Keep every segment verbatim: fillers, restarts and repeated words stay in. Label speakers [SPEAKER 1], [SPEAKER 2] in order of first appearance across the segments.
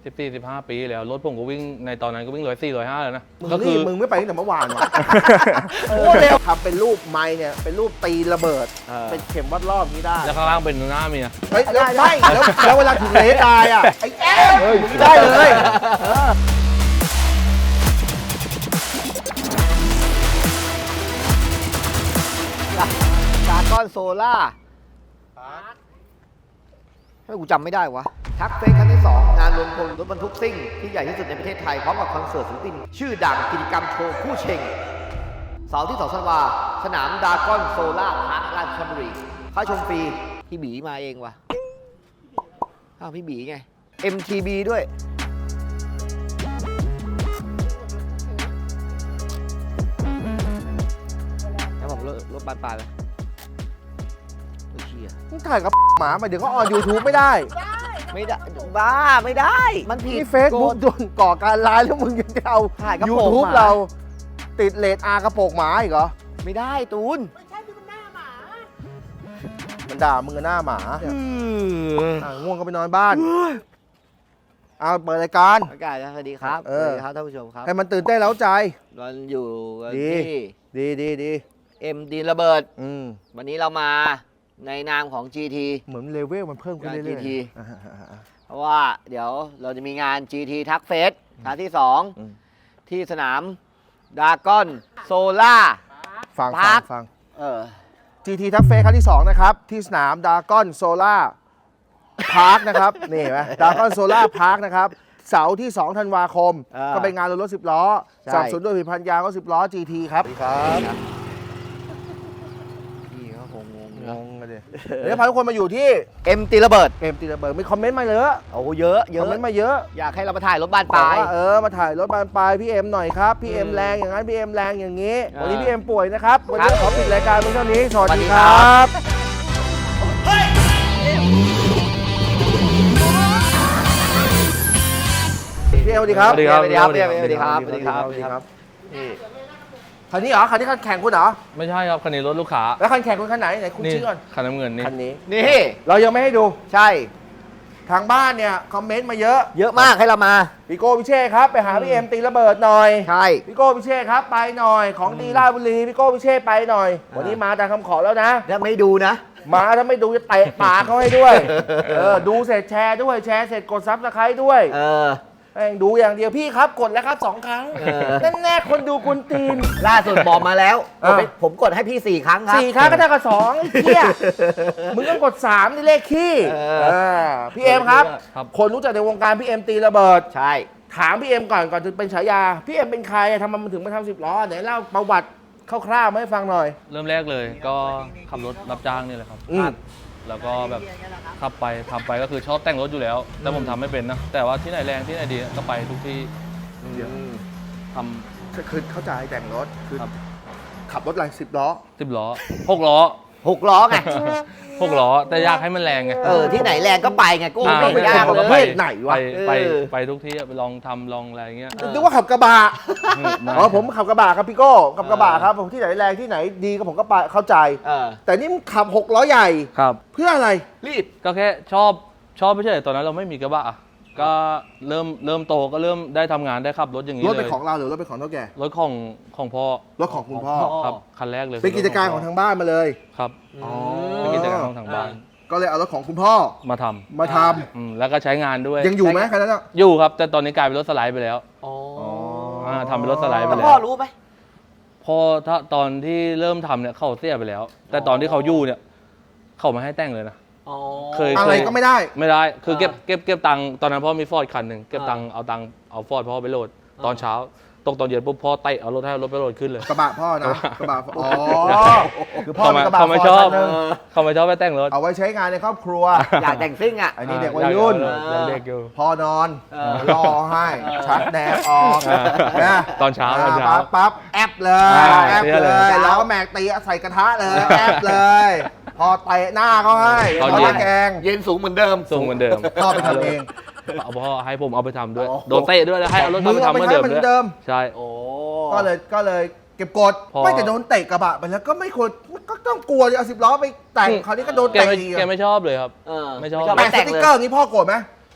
[SPEAKER 1] สิบสี่สิบห้าปีแล้วรถผมก็วิ่งในตอนนั้นก็วิ่งร้อยสี่ร้อยห้าแล้วนะ
[SPEAKER 2] มึง
[SPEAKER 1] ก็คื
[SPEAKER 2] นี่
[SPEAKER 1] อ
[SPEAKER 2] มึงไม่ไปตั้งแต่เมื่อวานวะโอ้เร็วทำเป็นรูปไม้เนี่ยเป็นรูปตีระเบิด เป็นเข็มวัดรอบนี้ได้
[SPEAKER 1] แล้วข้างล่างเป็นหน้าเมีย
[SPEAKER 2] เฮ้ยแล้วไม่แล้วแล้วเวลาถึงเลสตายอ่ะไอ้แอ๊ะมึงได้เลย
[SPEAKER 3] ดาก้อนโซล่าให้กูจำไม่ได้วะทักเฟสครั้งที่สองงานรวมพลรถบรรทุกซิ่งที่ใหญ่ที่สุดในประเทศไทยพร้อมกับคอนเสิร์ตศิลปินชื่อดังกิจกรรมโชว์คู่เชงเสาร์ที่สองธันวาสนามดาก้อนโซล่าพาร์คราชบุรีเข้าชมฟรีพี่บีมาเองวะอ้าวพี่บีไง เอ็ม ที บี ด้วยแล้วผมรถรถบานปลายเลยโอ้เชี่ย
[SPEAKER 2] มึงถ่ายกับหมามาเดี๋ยวก็ออน ยูทูบ ไม่ได้
[SPEAKER 3] ไม่ได้บ้าไม่ได้ มันผิด
[SPEAKER 2] นี่เฟซบุ๊กโดนก่อการร้ายแล้วมึงยังจะเอา
[SPEAKER 3] ถ่ายกระ
[SPEAKER 2] ยู
[SPEAKER 3] โปรง
[SPEAKER 2] ทูบ
[SPEAKER 3] หมา
[SPEAKER 2] เราติดเลทอากระโปรงหมาอีกเหรอ
[SPEAKER 3] ไม่ได้ตูน
[SPEAKER 2] มันด่ามึงกับหน้าหมาอ่ะง่วงก็ไปนอนบ้านเอาเปิดรายการ
[SPEAKER 3] อากาศสวัสดีครับ
[SPEAKER 2] เอ
[SPEAKER 3] ส
[SPEAKER 2] อ
[SPEAKER 3] วัสดีครับท่านผู้ชมครับ
[SPEAKER 2] ให้มันตื่นเต้นเร้าใจ
[SPEAKER 3] เราอยู่กัน
[SPEAKER 2] ดี
[SPEAKER 3] ที่
[SPEAKER 2] ดีดีดี
[SPEAKER 3] เอ็มดีระเบิด
[SPEAKER 2] อืม
[SPEAKER 3] วันนี้เรามาในนามของ จี ที
[SPEAKER 2] เหมือนเลเวลมันเพิ่มขึ้นเรื่อย
[SPEAKER 3] จี ที
[SPEAKER 2] ๆอ่ะอ่ะ
[SPEAKER 3] เพราะว่าเดี๋ยวเราจะมีงาน จี ที ทักเฟสครั้งที่สอง
[SPEAKER 2] อืม
[SPEAKER 3] ที่สนามดาก้อนโซล่า
[SPEAKER 2] ฟัง
[SPEAKER 3] พั
[SPEAKER 2] ฟัง
[SPEAKER 3] ก
[SPEAKER 2] ฟัง
[SPEAKER 3] เออ
[SPEAKER 2] จี ที ทัฟเฟสครั้งที่สองนะครับ ที่สนามดากอนโซล่าพาร์คนะครับ นี่เห็นไหมดากอนโซล่าพาร์คนะครับ เสาร์ที่ สอง ธันวาคม
[SPEAKER 3] อ่า
[SPEAKER 2] ก็เป็นงานรถสิบล้อ
[SPEAKER 3] ใช่
[SPEAKER 2] สนับสนุนโดยผลิตภัณฑ์ยางรถสิบล้อ จี ที ครับครับ
[SPEAKER 3] พี่เขาคงงง
[SPEAKER 2] ง
[SPEAKER 3] นะ
[SPEAKER 2] งกันดิเดี๋ยวพาทุกคนมาอยู่ที่
[SPEAKER 3] เอ็มตีระเบิด
[SPEAKER 2] เกมตีระเบิดมีคอมเมนต์มาเยอะ
[SPEAKER 3] โอ้โหเยอะเย
[SPEAKER 2] คอ
[SPEAKER 3] อะ
[SPEAKER 2] มเมนต์มาเยอะ
[SPEAKER 3] อยากให้เรามาถ่ายรถบ้านปลาย
[SPEAKER 2] บอกว่าเออมาถ่ายรถบานปลายพี่เอ็มหน่อยครับพี่เอ็ม
[SPEAKER 3] อืม
[SPEAKER 2] แรงอย่างนั้นพี่เอ็มแรงอย่างนี้
[SPEAKER 3] เออ
[SPEAKER 2] วันนี้พี่เอ็มป่วยนะครับวันนี้
[SPEAKER 3] ครับ
[SPEAKER 2] ขอปิดรายการเพียงเท่านี้สวัส
[SPEAKER 3] สวัส
[SPEAKER 2] ดี
[SPEAKER 3] ดี
[SPEAKER 2] ค
[SPEAKER 3] ครั
[SPEAKER 2] รับ พี่เอ็มสวัสดีครับ
[SPEAKER 1] สวัสดีครับ
[SPEAKER 3] สวัสดีครับสวัสดีครับสวัสดีครับ
[SPEAKER 2] สวัสดีครับ
[SPEAKER 3] นี่
[SPEAKER 2] คันนี้เหรอคันนี้คันแข่งคุณเหรอ
[SPEAKER 1] ไม่ใช่ครับคันนี้รถลูกค้า
[SPEAKER 2] แล้วคันแข่งคุณคันไหนไหนคุณ
[SPEAKER 1] นี่
[SPEAKER 2] ชื่อก่อน
[SPEAKER 1] คันน้ำเงินนี่
[SPEAKER 2] คันนี้
[SPEAKER 3] นี่
[SPEAKER 2] เรายังไม่ให้ดู
[SPEAKER 3] ใช่
[SPEAKER 2] ทางบ้านเนี่ยคอมเมนต์มาเยอะ
[SPEAKER 3] เยอะมากให้เรามา
[SPEAKER 2] พี่โก้พิเชษครับไปหาพี่เอ็มตีระเบิดหน่อย
[SPEAKER 3] ใช่
[SPEAKER 2] พี่โก้พิเชษครับไปหน่อยของดีราชบุรีพี่โก้พิเชษไปหน่อย
[SPEAKER 3] อ่า
[SPEAKER 2] วันนี้มาตามคำขอแล้วนะ
[SPEAKER 3] ถ้าไม่ดูนะ
[SPEAKER 2] มาถ้าไม่ดูจะเตะปากเขาให้ด้วยเออดูเสร็จแชร์ด้วยแชร์เสร็จกดซับสไครต์ด้วย
[SPEAKER 3] เออ
[SPEAKER 2] แม่งดูอย่างเดียวพี่ครับกดแล้วครับสองครั้ง
[SPEAKER 3] เออ
[SPEAKER 2] นั่นแน่คนดูกุนตีน
[SPEAKER 3] ล่าสุดบอกมาแล้ว
[SPEAKER 2] อ่า
[SPEAKER 3] ผมผมกดให้พี่สี่ครั้งครับ
[SPEAKER 2] สี่ครั้งก็เท่ากับสองไอ้เหี้ยมึงต้องกดสามนี่เลขขี้
[SPEAKER 3] เออ
[SPEAKER 2] เออพี่เอ็มครับ
[SPEAKER 1] ครับ
[SPEAKER 2] คนรู้จักในวงการพี่เอ็มตีระเบิด
[SPEAKER 3] ใช่
[SPEAKER 2] ถามพี่เอ็มก่อนก่อนจะเป็นฉายา พี่เอ็มเป็นใครทำไมมันถึงมาทำสิบล้อไหนเล่าประวัติคร่าวๆมาให้ฟังหน่อย
[SPEAKER 1] เริ่มแรกเลยก็ขับรถรับจ้างนี่แหละครับ
[SPEAKER 2] อืม
[SPEAKER 1] แล้วก็แบบขับไปทำไปก็คือชอบแต่งรถอยู่แล้ว แต่ผมทำไม่เป็นนะ แต่ว่าที่ไหนแรงที่ไหนดีก็ไปทุกที่
[SPEAKER 2] เดี๋ยว
[SPEAKER 1] ทำ
[SPEAKER 2] คือเข้าใจแต่งรถคือ
[SPEAKER 1] ครับ
[SPEAKER 2] ขับรถอะไรสิบล้อ
[SPEAKER 1] สิบล้อหกล้อ
[SPEAKER 3] หกล้อไง
[SPEAKER 1] หกล้อแต่อยากให้มันแรงไง
[SPEAKER 3] เออ ที่ไหนแรงก็ไปไงกู
[SPEAKER 1] อ่า
[SPEAKER 3] ไม่
[SPEAKER 2] เป็น
[SPEAKER 3] ยาก
[SPEAKER 2] คน
[SPEAKER 3] เล
[SPEAKER 2] ประเภ
[SPEAKER 3] ย
[SPEAKER 2] ทไหนวะ
[SPEAKER 1] ไปไป
[SPEAKER 3] เออ
[SPEAKER 1] ไปทุกที่อะไปลองทำลองอะไรอย่างเงี้ย
[SPEAKER 2] นึกว่าขับกระบะ
[SPEAKER 1] ไม่
[SPEAKER 2] อ๋อผมขับกระบะครับพี่โก้ขับกระบะครับผมที่ไหนแรงที่ไหนดีก็ผมก็ไปเข้าใจ
[SPEAKER 3] เออ
[SPEAKER 2] แต่นี่มึงขับหกล้อใหญ่
[SPEAKER 1] ครับ
[SPEAKER 2] เพื่ออะไร
[SPEAKER 3] รีบ
[SPEAKER 1] ก็แค่ชอบชอบไม่ใช่ตอนนั้นเราไม่มีกระบะอะก็เริ่มเริ่มโตก็เริ่มได้ทำงานได้ขับรถอย่างนี้
[SPEAKER 2] รถ
[SPEAKER 1] เล
[SPEAKER 2] เป็น
[SPEAKER 1] ย
[SPEAKER 2] ของเราหรือรถเป็นของเท่าแก่
[SPEAKER 1] รถของของพ่อ
[SPEAKER 2] รถของคุณพ่อ
[SPEAKER 1] ครับคันแรกเลย
[SPEAKER 2] เป็นกิจการของทางบ้านมาเลย
[SPEAKER 1] ครับ
[SPEAKER 2] อ๋อ
[SPEAKER 1] เป็นกิจการของทางบ้าน
[SPEAKER 2] ก็เลยเอารถของคุณพ่อ
[SPEAKER 1] มาทำ
[SPEAKER 2] มาท
[SPEAKER 1] อืมแล้วก็ใช้งานด้วย
[SPEAKER 2] ำยังอยู่ไหมคันนั้นอะ
[SPEAKER 1] อยู่ครับ แต่ตอนนี้กลายเป็นรถสไลด์ไปแล้ว
[SPEAKER 3] อ๋อ
[SPEAKER 1] อ่าทำเป็นรถสไลด์ไป
[SPEAKER 3] แล้ว
[SPEAKER 1] แล้ว
[SPEAKER 3] พ่อรู้ไหม
[SPEAKER 1] พอถ้าตอนที่เริ่มทำเนี่ยเขาเสียไปแล้ว แต่ตอนที่เขาอยู่เนี่ยเขาไม่ให้แต่งเลยนะ
[SPEAKER 3] อ๋อ
[SPEAKER 1] เคย
[SPEAKER 2] อะไรก็ไม่ได้
[SPEAKER 1] ไม่ได้คือเก็บ
[SPEAKER 3] อ่า
[SPEAKER 1] เก็บเก็บตังค์ตอนนั้นพ่อมีฟอร์ดคันหนึ่งเก็บตังค์เอาตังค์เอาฟอร์ดพ่อไปโหลด ตอนเช้าตกตอนเย็นปุ๊บพ่อเตะเอารถให้เอารถไปโหลดขึ้นเลย
[SPEAKER 2] กระบะพ่อนะ กระบะอ๋อคือพ่อ
[SPEAKER 1] เขา
[SPEAKER 2] มี
[SPEAKER 1] ไม่
[SPEAKER 2] กระบะ
[SPEAKER 1] เขาไม่
[SPEAKER 2] ฟ
[SPEAKER 1] ช
[SPEAKER 2] อ
[SPEAKER 1] อ
[SPEAKER 2] ร์
[SPEAKER 1] บ
[SPEAKER 2] ดคันหนึ่ง
[SPEAKER 1] เขาไม่ชอบไปแต่งรถ
[SPEAKER 2] เอาไว้ใช้งานในครอบครัว
[SPEAKER 3] อยากแต่งซิ่งอ่ะ
[SPEAKER 2] อันนี้เด็กวัยรุ่น
[SPEAKER 1] อยากเด็กอยู่
[SPEAKER 2] พอนอน
[SPEAKER 3] เออ
[SPEAKER 2] รอให้ชักแดดออก
[SPEAKER 1] เออ
[SPEAKER 2] นะ
[SPEAKER 1] ตอนเช้าตอนเช้า
[SPEAKER 2] ปั๊บปั๊บแอปเลย
[SPEAKER 1] อ่า
[SPEAKER 2] แอป
[SPEAKER 1] เสีย
[SPEAKER 2] เล
[SPEAKER 1] เลย
[SPEAKER 2] ยแล้วก็แม็กตีใส่กระทะเลยแอปเลย พอเตะหน้าเขาให้
[SPEAKER 1] ตอน
[SPEAKER 2] ต
[SPEAKER 1] เย็
[SPEAKER 2] อน นแกง
[SPEAKER 3] เย็นสูงเหมือนเดิม
[SPEAKER 1] ส่งเหมือนเดิม
[SPEAKER 2] พ่อไปทำเอง
[SPEAKER 1] เอาพ่อให้ผมเอาไปทำด้วย
[SPEAKER 2] โอ้โห
[SPEAKER 1] โดนเตะด้วยแล้วให้เอารถ
[SPEAKER 2] มึ
[SPEAKER 1] เขา
[SPEAKER 2] ง
[SPEAKER 1] ไป
[SPEAKER 2] เอา
[SPEAKER 1] ทำ
[SPEAKER 2] ไป
[SPEAKER 1] เหมือน
[SPEAKER 2] ใช้
[SPEAKER 1] เดิม
[SPEAKER 2] เหมือน
[SPEAKER 1] ด้วย
[SPEAKER 2] เดิม
[SPEAKER 1] ใช่
[SPEAKER 3] โอ้
[SPEAKER 2] ก็เลยก็เลยเก็บกด
[SPEAKER 1] พอ
[SPEAKER 2] ไม่แต่โดนเตะกระบะไปแล้วก็ไม่ควรก็ต้องกลัวจะเอาสิบล้อไปแต่งคราวนี้ก็โดน
[SPEAKER 1] แก
[SPEAKER 2] เตะ
[SPEAKER 1] ไม่
[SPEAKER 2] อีก
[SPEAKER 1] แกไม่ชอบเลยครับ
[SPEAKER 3] เออ
[SPEAKER 1] ไม่ชอบ
[SPEAKER 2] แปะส
[SPEAKER 3] แต่ง
[SPEAKER 2] ติ๊ก
[SPEAKER 3] เลย
[SPEAKER 2] เกอร์อย่างนี้พ่อโกรธไหม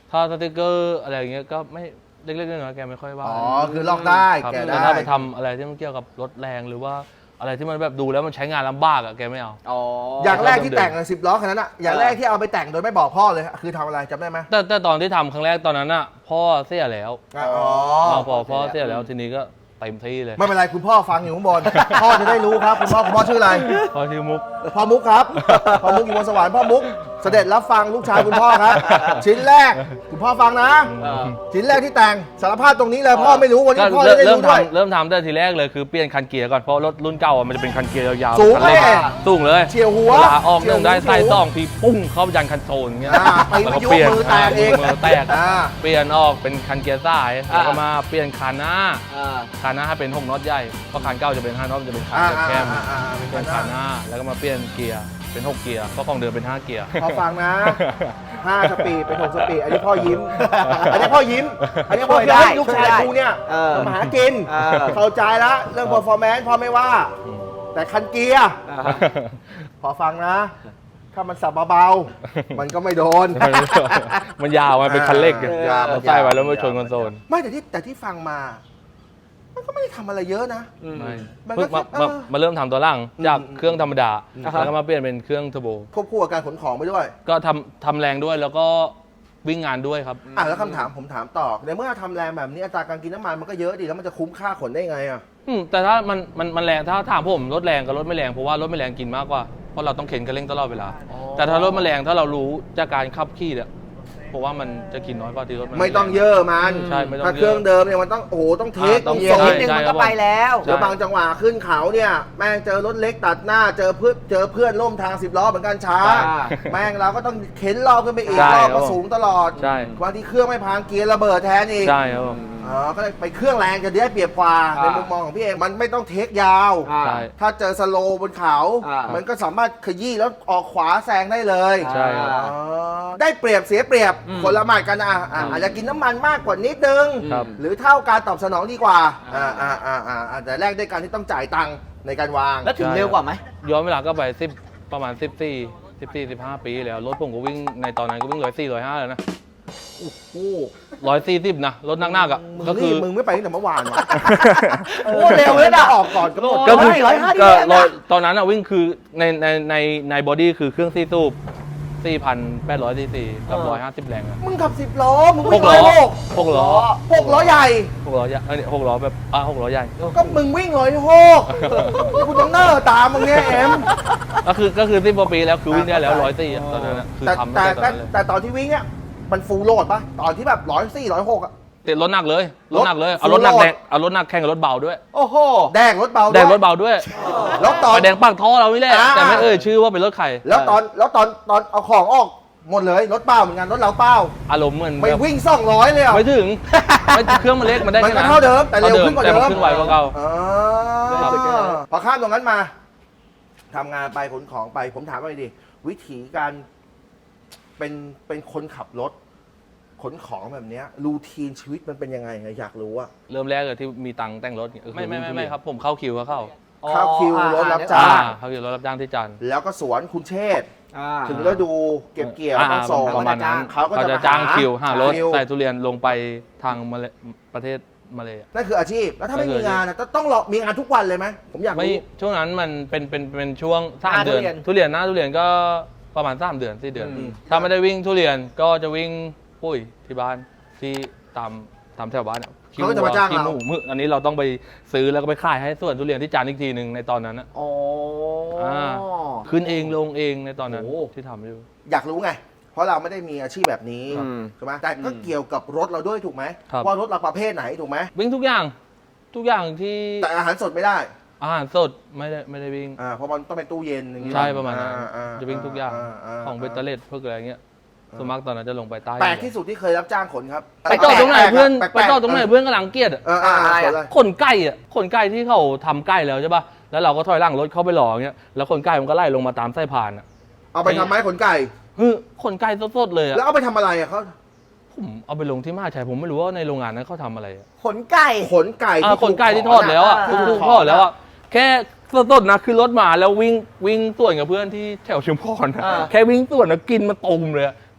[SPEAKER 1] ถ้าสติกเกอร์อะไรอย่างเงี้ยก็ไม่เล็กๆน้อยๆแกไม่ค่อยว่า
[SPEAKER 2] อ๋อคือลอกได้
[SPEAKER 1] ครับ
[SPEAKER 2] แกะ
[SPEAKER 1] แต่
[SPEAKER 2] ได้
[SPEAKER 1] ถ้าไปทำอะไรที่มันเกี่ยวกับรถแรงหรือว่าอะไรที่มันแบบดูแล้วมันใช้งานลำบากอะแกไม่เอา
[SPEAKER 3] อ๋อ
[SPEAKER 2] อ
[SPEAKER 3] อย่าง
[SPEAKER 2] แรกที่แต่งสิบล้อคันนั้นอะอย่างแรกที่เอาไปแต่งโดยไม่บอกพ่อเลยคือทำอะไรจำได้ไหม
[SPEAKER 1] แต่แต่ตอนที่ทำครั้งแรกตอนนั้นอะพ่อเสียแล้ว
[SPEAKER 2] อ๋อ
[SPEAKER 1] พอพ่อเสียแล้วทีนี้ก็เต็มที่เลย
[SPEAKER 2] ไม่เป็นไรคุณพ่อฟังอยู่ข้างบน พ่อจะได้รู้ครับคุณพ่อคุณพ่อชื่ออะไร
[SPEAKER 1] พ่อชื่อมุก
[SPEAKER 2] พ่อมุกครับ พ่อมุกอยู่บนสวรรค์พ่อมุกเสด็จรับฟังลูกชายคุณพ่อครับ ชิ้นแรกคุณพ่อฟังนะ
[SPEAKER 3] เออ
[SPEAKER 2] ชิ้นแรกที่แต่งสารภาพตรงนี้เลยพ่อไม่รู้วัน
[SPEAKER 1] ก็
[SPEAKER 2] นี้พ่อ
[SPEAKER 1] เริ่
[SPEAKER 2] จะ
[SPEAKER 1] ม
[SPEAKER 2] ได้
[SPEAKER 1] เริ่ม
[SPEAKER 2] รู้ด้วย
[SPEAKER 1] ทำเริ่มทำแต่ทีแรกเลยคือเปลี่ยนคันเกียร์ก่อนเพราะรถรุ่นเก่าอะมันจะเป็นคันเกียร์ยาวๆ
[SPEAKER 2] สูง
[SPEAKER 1] คันเร่
[SPEAKER 2] เลย
[SPEAKER 1] สูงเลย
[SPEAKER 2] เฉียวหัว
[SPEAKER 1] เวลาออก
[SPEAKER 2] เฉียว
[SPEAKER 1] เนื่องได้
[SPEAKER 2] หัว
[SPEAKER 1] ใส่ซองทีปุ้งเข้ายันคันโซลอย่างเงี้ย
[SPEAKER 2] อ่าไป
[SPEAKER 1] แล้วก็
[SPEAKER 2] ยุบ
[SPEAKER 1] เปลี่ยน
[SPEAKER 2] มือแตกเอง
[SPEAKER 1] มือแตก
[SPEAKER 2] อ่า
[SPEAKER 1] เปลี่ยนออกเป็นคันเกียร์ซ้ายแล้วก็มาเปลี่ยนคันหน้า
[SPEAKER 3] อ่า
[SPEAKER 1] คันหน้าให้เป็นหกน็อตใหญ่เพราะคันเก่าจะเป็นห้าน็อตมันจะเป็นคัน
[SPEAKER 2] อ่า
[SPEAKER 1] แคบ
[SPEAKER 2] อ่าอ่าอ่า
[SPEAKER 1] ๆเปลี่ยนคันหน้าแล้วก็มาเปลี่ยนเกียร์เป็นหกเกียร์เพราะของเดิมเป็นห้าเกียร์
[SPEAKER 2] พอฟังนะห้าสปีดเป็นหกสปีดอันนี้พ่อยิ้ม อันนี้พ่อยิ้ม อันนี้พ่อ
[SPEAKER 3] ช่วยได้
[SPEAKER 2] เฮ้ยลูกชาย
[SPEAKER 3] ช่วยได้
[SPEAKER 2] กูเนี่ย
[SPEAKER 3] เออ
[SPEAKER 2] มาหากิน
[SPEAKER 3] เออ
[SPEAKER 2] เข้าใจแล้วเรื่อง performance พ่อไม่ว่า แต่คันเกียร์
[SPEAKER 3] อ่า
[SPEAKER 2] พอฟังนะ ถ้ามันสับเบาๆมันก็ไม่โดน
[SPEAKER 1] มันยาวมันเป็นคันเล็กไง
[SPEAKER 2] ยาว
[SPEAKER 1] เราใส่ไว้แล้วมาชนคอนโซล
[SPEAKER 2] ไม่แต่ที่แต่ที่ฟังมา มันก็ไม่ได้ทำอะไรเยอะนะ
[SPEAKER 3] อืม
[SPEAKER 1] ไม่
[SPEAKER 2] มันก็
[SPEAKER 1] เพิ่งมา
[SPEAKER 2] แค่
[SPEAKER 1] มา
[SPEAKER 2] เออ
[SPEAKER 1] มาเริ่มทำตัวล่างจาก
[SPEAKER 2] อืม
[SPEAKER 1] เครื่องธรรมดา
[SPEAKER 3] อ่าฮะ
[SPEAKER 1] แล้วก็มาเปลี่ยนเป็นเครื่องเทอร์โบ
[SPEAKER 2] ควบคู่กับการขนของไปด้วย
[SPEAKER 1] ก็ทำทำแรงด้วยแล้วก็วิ่งงานด้วยครับ
[SPEAKER 2] อ่ะแล้วคำถามผมถามต่อในเมื่อทำแรงแบบนี้อัตราการกินน้ำมันมันก็เยอะดิแล้วมันจะคุ้มค่าขนได้ไงอ่ะ
[SPEAKER 1] อืมแต่ถ้ามันมันมันแรงถ้าถามผมรถแรงกับรถไม่แรงเพราะว่ารถไม่แรงกินมากกว่าเพราะเราต้องเข็นกันเร่งตลอดเวลา
[SPEAKER 2] อ๋อ
[SPEAKER 1] แต่ถ้ารถมันแรงถ้าเรารู้จากการขับขี่เนี่ยผมว่ามันจะกินน้อยกว่าที่รถมัน
[SPEAKER 2] ไม่ต้อง
[SPEAKER 1] แรง
[SPEAKER 2] เยอะมัน
[SPEAKER 1] ใช่ไม่ต้อง
[SPEAKER 2] ถ้าเครื่องเดิมเนี่ยมันต้องโอ้โหต้องเทค
[SPEAKER 1] อ่าต้
[SPEAKER 2] ต้
[SPEAKER 1] อ
[SPEAKER 2] อง ง
[SPEAKER 1] เย
[SPEAKER 2] โซ
[SPEAKER 1] อะ
[SPEAKER 3] นิ
[SPEAKER 2] น
[SPEAKER 3] ดนึงมัน
[SPEAKER 1] ใช่ครั
[SPEAKER 3] ก็
[SPEAKER 1] บ
[SPEAKER 3] ไปแล้ว
[SPEAKER 2] เดี๋ยวบางจังหวะขึ้นเขาเนี่ยแม่งเจอรถเล็กตัดหน้าเจอเพื่อนเจอเพื่อนร่วมทางสิบล้อเหมือนกันช้า
[SPEAKER 3] อ่า
[SPEAKER 2] แม่งเราก็ต้องเข็นรอบขึ้นไปอีก
[SPEAKER 1] ใช่
[SPEAKER 2] รอบ
[SPEAKER 1] ครั
[SPEAKER 2] ก็
[SPEAKER 1] บผม
[SPEAKER 2] สูงตลอด
[SPEAKER 1] ใช่
[SPEAKER 2] บางทีเครื่องไม่พังเกียร์ระเบิดแทนอีก
[SPEAKER 1] ใช่ครับผม
[SPEAKER 2] อ๋อก็เลยไปเครื่องแรงจะได้เปรียบกว่า
[SPEAKER 3] อ่า
[SPEAKER 2] ในมุมมองของพี่เองมันไม่ต้องเทคยาว
[SPEAKER 3] อ่า
[SPEAKER 1] ใช่
[SPEAKER 2] ถ้าเจอสโลว์บนเขา
[SPEAKER 3] อ่ามั
[SPEAKER 2] มันก็สามารถขยี้แล้วออกขวาแซงได้เลย
[SPEAKER 1] ใช่ครับ
[SPEAKER 2] อ๋อได้เปรียบเสียเปรียบ
[SPEAKER 3] อืม
[SPEAKER 2] คนละหมาดกันอ่ะอ่ะ
[SPEAKER 3] อืม
[SPEAKER 2] อาจจะกินน้ำมันมากกว่านิดนึง
[SPEAKER 1] ครับ
[SPEAKER 2] หรือเท่าการตอบสนองดีกว่า
[SPEAKER 3] อ่า
[SPEAKER 2] อ่าอ่าอ่าอ่าแต่แรกด้วยการที่ต้องจ่ายตังค์ในการวาง
[SPEAKER 3] แล้วถึงเร็วกว่าไหม
[SPEAKER 1] ย้อนเวลาก็ไปสิบประมาณสิบสี่สิบสี่สิบห้าปีแล้วรถผมก็วิ่งในตอนนั้นก็วิ่งร้อยสี่ร้อยห้าแล้วนะ
[SPEAKER 2] โอ้โห
[SPEAKER 1] ร้อยสี่สิบนะรถนักๆอ่ะ
[SPEAKER 2] มึง
[SPEAKER 1] ก็คื
[SPEAKER 2] นี่
[SPEAKER 1] อ
[SPEAKER 2] มึงไม่ไปตั้งแต่เมื่อวานวะ
[SPEAKER 3] โอ้เร็วเลยนะ
[SPEAKER 2] ออกก่อนก็หมด
[SPEAKER 1] ก็คือ
[SPEAKER 3] ร้อยห้าสิบ
[SPEAKER 1] ก็
[SPEAKER 3] เอ็ดนะ
[SPEAKER 1] ร้อยตอนนั้นอะวิ่งคือในในในในบอดี้คือเครื่องซีซูบสี่พันแปดร้อยซีซีกับร้อยห้าสิบแรงอะ
[SPEAKER 2] มึงขับสิบล้อมึง
[SPEAKER 1] ห
[SPEAKER 2] วิ่
[SPEAKER 1] ก
[SPEAKER 2] ง
[SPEAKER 1] ล้
[SPEAKER 2] ร้
[SPEAKER 1] อ
[SPEAKER 2] อยหก
[SPEAKER 1] หกล้อ
[SPEAKER 2] หกล้อใหญ่
[SPEAKER 1] หกล้อใหญ่เอ้ยหกล้อแบบอ่ะหกล้อใหญ่
[SPEAKER 2] ก็มึงวิ่งร้อยหกกูต้องเนอร์ตามมึงเนี่ยเอ็ม
[SPEAKER 1] ก็คือก็คือสิบกว่าปีแล้วคือวิ่งได้แล้วร้อยสี่ตอนนั้นอะคือ
[SPEAKER 2] แต่
[SPEAKER 1] ทำ
[SPEAKER 2] แต่
[SPEAKER 1] ตั้งแต่ตอนนั้นเลย
[SPEAKER 2] แต่ตอนที่วิ่งเนี่ยมันฟูลโหลดปะตอนที่แบบร้อยสี่ร้อยหกอะ
[SPEAKER 1] ติดรถหนักเลยรถหนักเลย
[SPEAKER 2] รถ
[SPEAKER 1] เอารถหนัก
[SPEAKER 2] full
[SPEAKER 1] แด
[SPEAKER 2] load
[SPEAKER 1] งเอารถหนักแข่งกับรถเบาด้วย
[SPEAKER 3] โอ้โห
[SPEAKER 2] แดงรถเบา
[SPEAKER 1] แดงร
[SPEAKER 2] ด้วย
[SPEAKER 1] ถเบาด้วย
[SPEAKER 2] แล้วตอน
[SPEAKER 1] ไฟแดงปากท่อเรานี่แหละ
[SPEAKER 2] อ่า
[SPEAKER 1] แต่ไม่เอ่ยชื่อว่าเป็นรถใคร
[SPEAKER 2] แล้วตอนแล้วตอนตอนเอาของออกหมดเลยรถเปล่าเหมือนกันรถเราเปล่า
[SPEAKER 1] อารมณ์เหมือน
[SPEAKER 2] ไม่
[SPEAKER 1] แบบ
[SPEAKER 2] วิ่งสองร้อยเลยอ่ะ
[SPEAKER 1] ไม่ถึงไม่เครื่องมันเล็กมันได้
[SPEAKER 2] มัน
[SPEAKER 1] แค่
[SPEAKER 2] ก็
[SPEAKER 1] นั้น
[SPEAKER 2] เท่าเดิมแต่เร็วขึ้นกว่าเดิ
[SPEAKER 1] แต่
[SPEAKER 2] ม
[SPEAKER 1] นขึ้นไวกว่าเก่า
[SPEAKER 2] อ๋อ
[SPEAKER 1] ครับ
[SPEAKER 2] พอข้ามตรงนั้นมาทำงานไปขนของไป ผมถามไปดิวิธีการเป็นเป็นคนขับรถ ขนของแบบเนี้ยรูทีนชีวิตมันเป็นยังไงอยากรู้อะ
[SPEAKER 1] เริ่มแรกเลยที่มีตังค์แต่งรถเนี่ยไม่ไม่ไม่ไม่ครับผมเข้าคิวก็เข้า
[SPEAKER 2] เข้าคิว
[SPEAKER 3] อ๋อ
[SPEAKER 2] รถรับ
[SPEAKER 3] อ่
[SPEAKER 2] จ้าง
[SPEAKER 1] อ่าเข้าคิวรถรับจ้างที่จันทร์
[SPEAKER 2] แล้วก็สวนคุณเชษฐ์
[SPEAKER 3] อ่า
[SPEAKER 2] ถึงฤดูเก็บเกี่ยว
[SPEAKER 1] อ่า
[SPEAKER 2] ต้องส่ง
[SPEAKER 1] ประมาณนั้น
[SPEAKER 2] เขาก็จะ
[SPEAKER 1] จะ
[SPEAKER 2] มา
[SPEAKER 1] จ้าง
[SPEAKER 2] หา
[SPEAKER 1] คิวหารถ
[SPEAKER 2] คิว
[SPEAKER 1] ใส่ทุเรียนลงไปทางมาเลประเทศมาเลย
[SPEAKER 2] นั่นคืออาชีพ แล้วถ้าไม่
[SPEAKER 1] นั่นคื
[SPEAKER 2] มี
[SPEAKER 1] อ
[SPEAKER 2] งานอะต้องต้องรอมีงานทุกวันเลยไหมผมอยาก
[SPEAKER 1] ไม่
[SPEAKER 2] รู้
[SPEAKER 1] ช่วงนั้นมันเป็นเป็นเป็นช่วงสาม
[SPEAKER 3] หน้า
[SPEAKER 1] เดือน
[SPEAKER 3] ทุเรียน
[SPEAKER 1] ทุเรียนหน้าทุเรียนก็ประมาณสามเดือนสี่เดือน
[SPEAKER 3] อืม
[SPEAKER 1] ถ้าไม่ได้วิ่งทุเรียนก็จะวิ่งปุ้ยที่บ้านที่ตามตามแถวบ้านอะ
[SPEAKER 2] เขาก็จะมาจ้าง
[SPEAKER 1] ขี้
[SPEAKER 2] เรา
[SPEAKER 1] หมูมึอันนี้เราต้องไปซื้อแล้วก็ไปขายให้ส่วนทุเรียนที่จันทร์อีกทีหนึ่งในตอนนั้นนะ
[SPEAKER 3] โอ้
[SPEAKER 1] อ่า ขึ้นเองลงเองในตอนนั้น
[SPEAKER 3] โอ้
[SPEAKER 1] ที่ทำอยู่
[SPEAKER 2] อยากรู้ไง เพราะเราไม่ได้มีอาชีพแบบนี้
[SPEAKER 3] อืม
[SPEAKER 2] ใช่ไหมแต่ก็
[SPEAKER 3] อืม
[SPEAKER 2] เกี่ยวกับรถเราด้วยถูกไหม
[SPEAKER 1] ครับ
[SPEAKER 2] ว่ารถเราประเภทไหนถูกไหม
[SPEAKER 1] วิ่งทุกอย่างทุกอย่างที่
[SPEAKER 2] แต่อาหารสดไม่ได้
[SPEAKER 1] อาหารสดไม่ได้ไม่ได้วิ่ง
[SPEAKER 2] อ่าเพราะมันต้องเป็นตู้เย็นอย่างนี้
[SPEAKER 1] ใช่ประมาณนั้น
[SPEAKER 2] อ่า
[SPEAKER 1] จะวิ่งทุกอย่าง
[SPEAKER 2] า
[SPEAKER 1] ของเบตเตอร์เลสพวกอะไรเงี้ยส่วนมากตอนนั้นจะลงไปใต้
[SPEAKER 2] แปลกที่สุดที่เคยรับจ้างขนครับ
[SPEAKER 1] ไปจอดตรงไหนเพื่อน
[SPEAKER 2] แลกๆ
[SPEAKER 1] ไปจอดตรงไหนเพื่อนกำลังเกลียดอะ
[SPEAKER 2] เอออ่า
[SPEAKER 3] อะไรอะ
[SPEAKER 2] ขนเลย
[SPEAKER 1] ขนไก่อะขนไก่ที่เขาทำไก่แล้วใช่ป่ะแล้วเราก็ถอยหลังรถเข้าไปหล่ออย่างเงี้ยแล้วขนไก่มันก็ไล่ลงมาตามไส้ผ่านอะ
[SPEAKER 2] เอาไปทำไม้ขนไก่
[SPEAKER 1] ฮึขนไก่สดๆเลยอะ
[SPEAKER 2] แล้วเอาไปทำอะไรอะเขา
[SPEAKER 1] ผมเอาไปลงที่มหาชัยผมไม่รู้ว่าในโรงงานนั้นเขาทำอะไรอะ
[SPEAKER 3] ขนไก่
[SPEAKER 2] ขนไก่
[SPEAKER 1] อ่าขนไก่ที่ทอดแล้วอะ
[SPEAKER 3] อ่า
[SPEAKER 1] ทุกๆทอดแล้วอะแค่สดๆนะคือรถมาแล้ววิ่งวิ่งส่วนกับเพื่อนที่แถวชุมพรนะ
[SPEAKER 3] อ่า
[SPEAKER 1] แค่วิ่งส่วนนะกินมาตุ่มเลยอะกิน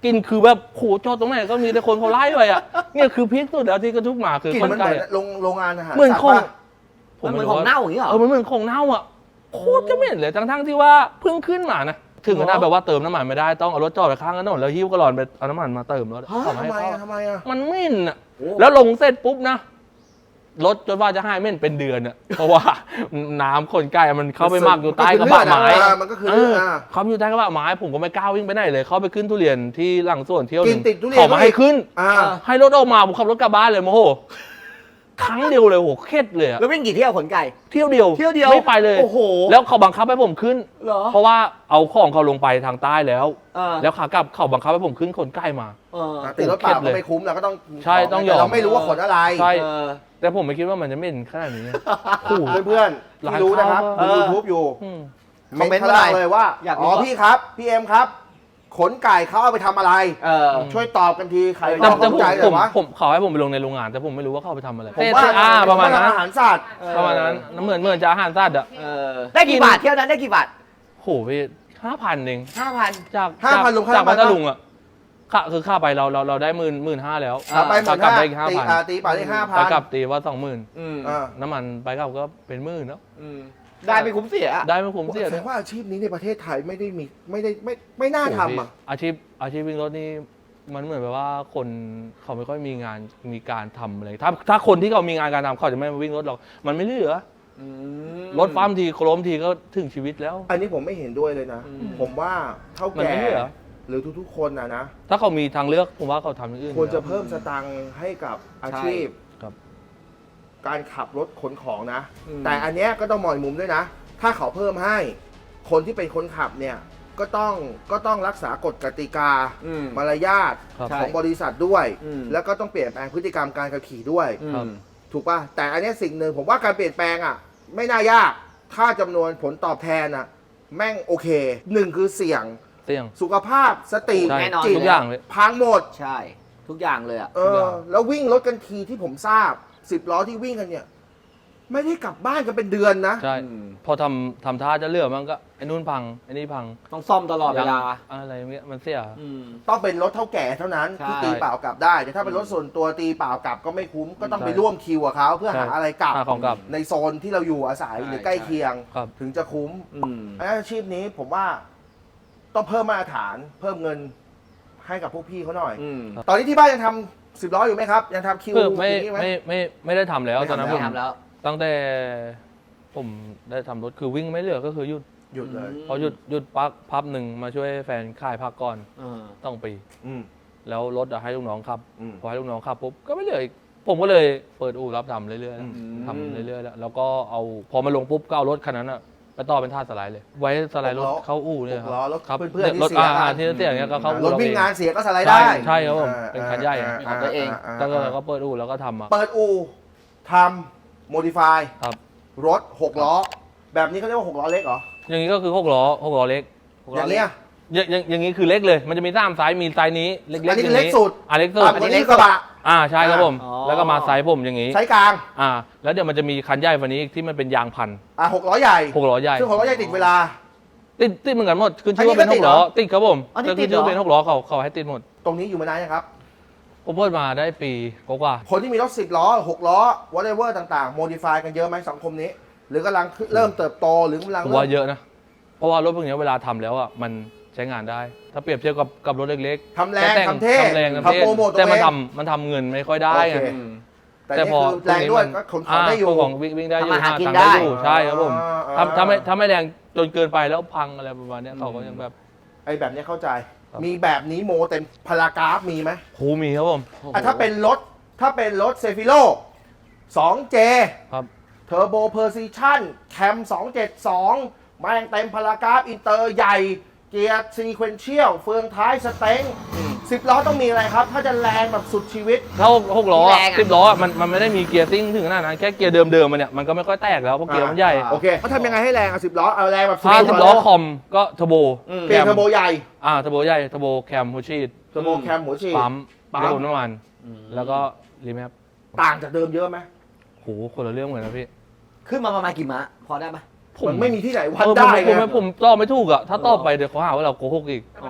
[SPEAKER 1] กินคือแบบโหจอดตรงไหนก็มีแต่คนเขาไล่ไปอ่ะเนี่ยคือพีคสุดแล้วที่กระทุกหมาคือก
[SPEAKER 2] ลิ่น
[SPEAKER 1] คน
[SPEAKER 2] มันเห
[SPEAKER 1] ไก่
[SPEAKER 2] มือน
[SPEAKER 1] อะ
[SPEAKER 2] โรงโรงงานอาหาร
[SPEAKER 1] เหมือน
[SPEAKER 2] สัตว์
[SPEAKER 1] ของ
[SPEAKER 2] ปะ
[SPEAKER 3] มันเหมือนของเน่าอย่างนี้เหรอ
[SPEAKER 1] เออมันเหมือนของเน่าอ่ะโคตรจะเหม็นเลยทั้งๆที่ว่าเพิ่งขึ้นมานะถึงขนาดแบบว่าเติมน้ำมันไม่ได้ต้องเอารถจอดไปข้างถนนแล้วหิ้วกระหลอนไปเอาน้ำมันมาเติมรถ
[SPEAKER 3] ฮะ
[SPEAKER 1] เอามา
[SPEAKER 2] ทำ
[SPEAKER 1] ให้
[SPEAKER 2] ไม
[SPEAKER 1] เขา
[SPEAKER 2] อะทำไมอะ
[SPEAKER 1] มันเหม็นอ่ะ
[SPEAKER 3] โอ้
[SPEAKER 1] แล้วลงเสร็จปุ๊บนะรถจนว่าจะให้เหม็นเป็นเดือนอ่ะเพราะว่าน้ำขนไก่มันเข้าไปหมักอยู่ใต้กระบะไม้
[SPEAKER 2] เออมันก็คือ
[SPEAKER 1] เอ
[SPEAKER 2] เลือ
[SPEAKER 1] อ
[SPEAKER 2] ดอ่ะ
[SPEAKER 1] เขาอยู่ใต้กระบะไม้ผมก็ไม่กล้าวิ่งไปไหนเลย เข้าไปขึ้นทุเรียนที่หลังสวนเที่ยวห
[SPEAKER 2] กิ
[SPEAKER 1] นึ
[SPEAKER 2] น
[SPEAKER 1] ง
[SPEAKER 2] ติดทุเรียน
[SPEAKER 1] เขามาให้ขึ้น
[SPEAKER 2] อ่า
[SPEAKER 1] ให้รถออกมาผมขับรถกลับบ้านเลยโมโหครั้งเดียวเลยโหเครียดเลยอะ
[SPEAKER 3] แล้ววิ่งกี่เที่ยวขนไก่
[SPEAKER 1] เที่ยวเดียว
[SPEAKER 3] เที่ยวเดียว
[SPEAKER 1] ไม่ไปเลย
[SPEAKER 3] โอ้โห
[SPEAKER 1] แล้วเขาบังคับให้ผมขึ้น
[SPEAKER 3] เหรอ
[SPEAKER 1] เพราะว่าเอาของเขาลงไปทางใต้แล้ว
[SPEAKER 3] เออ
[SPEAKER 1] แล้วขากลับเขาบังคับให้ผมขึ้นขนไก่มา
[SPEAKER 3] เออ
[SPEAKER 2] ติดรถเปล่าก็ไม่คุ้มเราก็ต้อง
[SPEAKER 1] ใช่ต้องยอม
[SPEAKER 2] แต่เราไม่รู้ว่าขนอะไร
[SPEAKER 1] ใช่
[SPEAKER 3] เออ
[SPEAKER 1] แต่ผมไม่คิดว่ามันจะเหม็นขนาดนี้โอ้โห
[SPEAKER 2] เพื่อนๆที่รู้นะครับ
[SPEAKER 1] ร้าน
[SPEAKER 2] ดู
[SPEAKER 1] ข้าว
[SPEAKER 2] ยูทูบอยู่
[SPEAKER 1] อืม
[SPEAKER 3] คอมเมนต์
[SPEAKER 2] ข้างล่าง
[SPEAKER 3] มาหน่อย
[SPEAKER 2] เลยว่า
[SPEAKER 3] อยากรู้
[SPEAKER 2] อ๋อพี่ครับพี่เอ็มครับ ขนไก่เขาเอาไปทำอะไร
[SPEAKER 3] เออ
[SPEAKER 2] ช่วยตอบกันทีใคร
[SPEAKER 1] แต่
[SPEAKER 2] ตอบ
[SPEAKER 1] แต่
[SPEAKER 2] ส
[SPEAKER 1] ผ
[SPEAKER 2] น
[SPEAKER 1] ม
[SPEAKER 2] ใจเล
[SPEAKER 1] ผ
[SPEAKER 2] ย
[SPEAKER 1] ม
[SPEAKER 2] วะ
[SPEAKER 1] ผมเขาให้ผมไปลงในโรงงาน แต่ผมไม่รู้ว่าเขาเอาไปทำอะไร
[SPEAKER 2] ผมว่า
[SPEAKER 1] เต้อ่าประมาณนั้น
[SPEAKER 2] อาหารสัตว์
[SPEAKER 1] ประมาณนั้นเหมือนเหมือนจะอาหารสัตว์อ่ะ
[SPEAKER 3] เออ ได้กี่บาทเที่ยวนั้นได้กี่บาท
[SPEAKER 1] โหพี่ห้าพันเอง
[SPEAKER 3] ห้าพัน
[SPEAKER 1] จาก
[SPEAKER 2] ห้าพันลงค่า
[SPEAKER 1] จาก
[SPEAKER 2] น้ำมั
[SPEAKER 1] พั
[SPEAKER 2] น
[SPEAKER 1] ท
[SPEAKER 2] ปะ
[SPEAKER 1] ลุงอ่ะค่าคือค่าไปเราเราเราได้หมื่นหมื่นห้าแล้ว
[SPEAKER 2] อ่ะไปหมด
[SPEAKER 1] กลับ
[SPEAKER 2] ห้า
[SPEAKER 1] ได้อีกห้า
[SPEAKER 2] ตี
[SPEAKER 1] พัน
[SPEAKER 2] อ่าตีไปได้ห้าพั
[SPEAKER 1] ไป
[SPEAKER 2] น
[SPEAKER 1] กลับตีว่าสองหมื่น
[SPEAKER 3] อืม
[SPEAKER 2] อ่า
[SPEAKER 1] น้ำมันไปกลับก็เป็นหมื่นแล้ว
[SPEAKER 3] อืมได้ไม่คุ้มเสียอะ
[SPEAKER 1] ได้ไม่คุ้มเสีย
[SPEAKER 2] แสดงว่าอาชีพนี้ในประเทศไทยไม่ได้มีไม่ได้ไม่ไม่น่าทำอ่ะ
[SPEAKER 1] อาชีพอาชีพวิ่งรถนี่มันเหมือนแบบว่าคนเขาไม่ค่อยมีงานมีการทำอะไรถ้าถ้าคนที่เขามีงานการทำเขาจะไม่มาวิ่งรถหรอกมันไม่เหลือ
[SPEAKER 3] อืม
[SPEAKER 1] รถฟ้ามทีโคล้มทีก็ถึงชีวิตแล้ว
[SPEAKER 2] อันนี้ผมไม่เห็นด้วยเลยนะ
[SPEAKER 3] อืม
[SPEAKER 2] ผมว่าเท่า
[SPEAKER 1] มัน
[SPEAKER 2] แก่
[SPEAKER 1] ไม่เหลือ
[SPEAKER 2] หรือทุกๆคนนะนะ
[SPEAKER 1] ถ้าเขามีทางเลือกผมว่าเขาทำอย่างอื่น
[SPEAKER 2] ควรจะ
[SPEAKER 1] อยู่แล้ว
[SPEAKER 2] เพิ่มสตังค์ให้กับอาชีพ
[SPEAKER 1] ครับ
[SPEAKER 2] การขับรถขนของนะ
[SPEAKER 3] อืม
[SPEAKER 2] แต่อันเนี้ยก็ต้องมองอีกมุมด้วยนะ ถ้าเขาเพิ่มให้ คนที่เป็นคนขับเนี่ยก็ต้องก็ต้องรักษากฎกติกา
[SPEAKER 3] อืม
[SPEAKER 2] มารยาท
[SPEAKER 1] ครับ
[SPEAKER 2] ของบริษัทด้วย
[SPEAKER 3] อืม
[SPEAKER 2] แล้วก็ต้องเปลี่ยนแปลงพฤติกรรมการขับขี่ด้วย
[SPEAKER 3] อืม
[SPEAKER 2] ถูกป่ะ แต่อันเนี้ยสิ่งหนึ่งผมว่าการเปลี่ยนแปลงอ่ะ ไม่น่ายาก ถ้าจำนวนผลตอบแทนอ่ะ แม่งโอเคหนึ่งคือเสี่ยง
[SPEAKER 1] เสี่ยง
[SPEAKER 2] สุขภาพสติ
[SPEAKER 1] ใช่
[SPEAKER 3] แน่นอน
[SPEAKER 2] จิต
[SPEAKER 1] ทุกอย่างเลย
[SPEAKER 2] พังหมด
[SPEAKER 3] ใช่ ทุกอย่างเลยอ่ะ
[SPEAKER 2] เออ แล้ววิ่งรถกันทีที่ผมทราบสิบล้อที่วิ่งกันเนี่ย ไม่ได้กลับบ้านกันเป็นเดือนนะ
[SPEAKER 1] ใช่
[SPEAKER 3] อืม
[SPEAKER 1] พอทำทำท่าจะเลือกมันก็ไอ้นู่นพังไอ้นี่พัง
[SPEAKER 3] ต้องซ่อมตลอดเวลา
[SPEAKER 1] อะไรเงี้ยมันเสีย
[SPEAKER 3] อืม
[SPEAKER 2] ต้องเป็นรถเท่าแก่เท่านั้น
[SPEAKER 3] ใช่
[SPEAKER 2] ที่ตีเปล่ากลับได้ แต่ถ้าเป็นรถส่วนตัวตีเปล่ากลับก็ไม่คุ้ม ก็ต้อง
[SPEAKER 1] ใช่
[SPEAKER 2] ไปร่วมคิวกับเขาเพื่อหา
[SPEAKER 1] ใช่
[SPEAKER 2] อะไรกลับ
[SPEAKER 1] หาของกลับ
[SPEAKER 2] ในโซนที่เราอยู่อาศัย
[SPEAKER 3] ใช่
[SPEAKER 2] หรือใกล้
[SPEAKER 3] ใช่
[SPEAKER 2] เคียง
[SPEAKER 1] ครับ
[SPEAKER 2] ถึงจะคุ้ม
[SPEAKER 3] อืม
[SPEAKER 2] อาชีพนี้ผมว่าต้องเพิ่มมาตรฐาน เพิ่มเงินให้กับพวกพี่เขาหน่อย
[SPEAKER 3] อืม
[SPEAKER 2] ตอนนี้ที่บ้านยังทำสิบล้ออยู่ไหมครับ ยังทำคิว
[SPEAKER 1] คือไม่
[SPEAKER 2] อย่างนี้ไหม
[SPEAKER 1] ไม่ไม่ไม่ได้ทำแล้ว
[SPEAKER 2] ไม่
[SPEAKER 1] ตอนนั้น
[SPEAKER 2] ทำ
[SPEAKER 1] ผม
[SPEAKER 3] ทำแล้ว
[SPEAKER 1] ตั้งแต่ผมได้ทำรถคือวิ่งไม่เหลือก็คือหยุด
[SPEAKER 2] หยุดเลย
[SPEAKER 1] พอหยุดหยุดพักพับหนึ่งมาช่วยแฟนขายผักก่อน
[SPEAKER 3] เออ
[SPEAKER 1] ต้องปี
[SPEAKER 2] อืม
[SPEAKER 1] แล้วรถอะให้ลูกน้องขับ
[SPEAKER 2] อืม
[SPEAKER 1] พอให้ลูกน้องขับปุ๊บก็ไม่เหลืออีกผมก็เลยเปิดอู่รับทำเรื่อย
[SPEAKER 2] อืม
[SPEAKER 1] ๆทำเรื่อยๆแล้วแล้วก็เอาพอมาลงปุ๊บก็เอารถคันนั้นอะไปต่อเป็นท่าสไลด์เลย ไว้สไลด์รถเข้าอู่เนี่ยค
[SPEAKER 2] หกล้อ
[SPEAKER 1] รับ
[SPEAKER 2] รถ
[SPEAKER 1] ครับ
[SPEAKER 2] เพื่อนๆที่
[SPEAKER 1] รถ
[SPEAKER 2] เสีย
[SPEAKER 1] อ่า
[SPEAKER 2] กัน
[SPEAKER 1] ที่เสียอย่างเงี้ยก็เข้าร อู่
[SPEAKER 2] ถ
[SPEAKER 1] เรา
[SPEAKER 2] วิ่ง
[SPEAKER 1] เอง
[SPEAKER 2] งานเสียก็สไลด์ได้
[SPEAKER 1] ใช่ใช่ครับผมเป็นคันใหญ่อะ
[SPEAKER 3] ของตัวเอง
[SPEAKER 1] แล้วก็ก็เปิดอู่แล้วก็ทำมา
[SPEAKER 2] เปิดอู่ทำโมดิฟาย
[SPEAKER 1] ครับ
[SPEAKER 2] รถหกล้อ แบบนี้เขาเรียกว่าหกล้อเล็กเหรอ
[SPEAKER 1] อย่างนี้ก็คือหกล้อหกล้อเล็ก
[SPEAKER 2] อย่างเนี้ย
[SPEAKER 1] อย่างอย่างอย่างนี้คือเล็กเลย มันจะมีสามไซส์มีไซส์นี้เล็กๆ
[SPEAKER 2] อันนี้
[SPEAKER 1] อ
[SPEAKER 2] คื
[SPEAKER 1] ย่า
[SPEAKER 2] อง เล็กสุด
[SPEAKER 1] อ่ะเล็กสุด
[SPEAKER 2] ต่ำกว่านี้กระบะ
[SPEAKER 1] อ่าใช่ครับผม
[SPEAKER 3] อ๋อ
[SPEAKER 1] แล้วก็มาไซส์ผมอย่างนี้
[SPEAKER 2] ไซส์กลาง
[SPEAKER 1] อ่า แล้วเดี๋ยวมันจะมีคันใหญ่กว่านี้อีกที่มันเป็นยางพัน
[SPEAKER 2] อ่ะหกล้อใหญ่
[SPEAKER 1] หกล้อใหญ่
[SPEAKER 2] ซึ่งหกล้อใหญ่ติดเวลา
[SPEAKER 1] ติดติดเหมือนกันหมดขึ้นชื่อว่า
[SPEAKER 2] อันนี้
[SPEAKER 1] เป็น
[SPEAKER 2] ก็
[SPEAKER 1] ห
[SPEAKER 2] ติด
[SPEAKER 1] กล้อ
[SPEAKER 2] เหรอ
[SPEAKER 1] ติดครับผม
[SPEAKER 3] อันนี้
[SPEAKER 1] แต่
[SPEAKER 3] ติ
[SPEAKER 1] ขึ้
[SPEAKER 3] ด
[SPEAKER 1] น
[SPEAKER 3] เหรอ
[SPEAKER 1] ชื่อเป็นหกล้อเขาเขาให้ติดหมด
[SPEAKER 2] ตรงนี้อยู่มานานยังครับ
[SPEAKER 1] ผมเพิ่มาได้ปีกว่า
[SPEAKER 2] คนที่มีรถสิบล้อหกล้อ whatever ต่างๆ โมดิฟายกันเยอะไหมสังคมนี้ หรือกำลังเริ่มเติบโตหรือกำลัง
[SPEAKER 1] ๆผม
[SPEAKER 2] เริ่
[SPEAKER 1] ว่าม เยอะนะ เพราะว่ารถพวกนี้เวลาทำแล้วอ่ะมันใช้งานได้ ถ้าเปรียบเทียบกับกับรถเล็กๆ
[SPEAKER 2] ทำแรง
[SPEAKER 1] ต่
[SPEAKER 2] ทำเท่
[SPEAKER 1] ทำแรงทำ
[SPEAKER 2] ทำ
[SPEAKER 1] เท่
[SPEAKER 2] โปรโมทตัว
[SPEAKER 1] แต่มัน
[SPEAKER 2] เอง
[SPEAKER 1] ทำมันทำเงินไม่ค่อยได้ไง
[SPEAKER 2] โอเค
[SPEAKER 3] อืม
[SPEAKER 2] แต่
[SPEAKER 1] แต่
[SPEAKER 2] นี่
[SPEAKER 1] พอ
[SPEAKER 2] คือแรงด้วยก็ขนของได้อยู่
[SPEAKER 1] าขนของวิ่งวิ่งได้อยู่
[SPEAKER 3] ทำมาหากิน
[SPEAKER 1] ตังค์
[SPEAKER 3] ได้
[SPEAKER 1] อยู่ใช่ครับผม
[SPEAKER 2] อ่า
[SPEAKER 1] ทำทำไม่ทำไม่แรงจนเกินไปแล้วพังอะไรประมาณเนี้ยเขาก็ยังแบบ
[SPEAKER 2] ไอ้แบบนี้เข้าใจ
[SPEAKER 1] ครับ
[SPEAKER 2] มีแบบนี้โมเต็มพารากราฟมีไหม
[SPEAKER 1] โหมีครับผม
[SPEAKER 2] อ่ะถ้าเป็นรถถ้าเป็นรถเซฟิโล สองเจ
[SPEAKER 1] ครับ
[SPEAKER 2] เทอร์โบเพอร์ซิชันแคมสองเจ็ดสองแม่งเต็มพารากราฟอินเตอร์ใหญ่ เกียร์ซีเควนเชียลเฟืองท้ายสเต็งสิบล้อต้องมีอะไรครับ ถ้าจะแรงแบบสุดชีวิต
[SPEAKER 1] ถ้าหกล้อ
[SPEAKER 3] แรงอะ
[SPEAKER 1] สิบล้ออะมันมันไม่ได้มีเกียร์ซิ่งถึงขนาดนั้นแค่เกียร์เดิมๆมันเนี่ยมันก็ไม่ค่อยแตกแล้วเพราะเกียร์มันใหญ่
[SPEAKER 2] โอเคเขาทำยังไงให้แรงอ่ะสิบล้อเอาแรงแบบ
[SPEAKER 1] ถ้าสิบล้อคอมก็เทอร์โบ
[SPEAKER 3] อืม
[SPEAKER 2] เปลี่ยนเทอร์โบใหญ่
[SPEAKER 1] อ่าเทอร์โบใหญ่เทอร์โบแคมหัวฉีด
[SPEAKER 2] เทอร์โบแคมหัวฉีด
[SPEAKER 1] ปั๊ม
[SPEAKER 2] ปั๊ม
[SPEAKER 1] ระบบน้ำมัน
[SPEAKER 3] อืม
[SPEAKER 1] แล้วก็รีแมป
[SPEAKER 2] ต่างจากเดิมเยอะไหม
[SPEAKER 1] โหคนละเรื่องเลยนะพี่
[SPEAKER 3] ขึ้นมาประมาณกี่ม้าพอได้ไหม
[SPEAKER 2] มันไม่มีที่ไหนวัด
[SPEAKER 1] เออผม
[SPEAKER 2] ได้
[SPEAKER 1] ผม
[SPEAKER 2] ไง
[SPEAKER 1] ผมผมตอบไม่ถูกอะถ้าตอบไปเดี๋ยวเขาหาว่าเราโกหกอีก
[SPEAKER 3] อ๋อ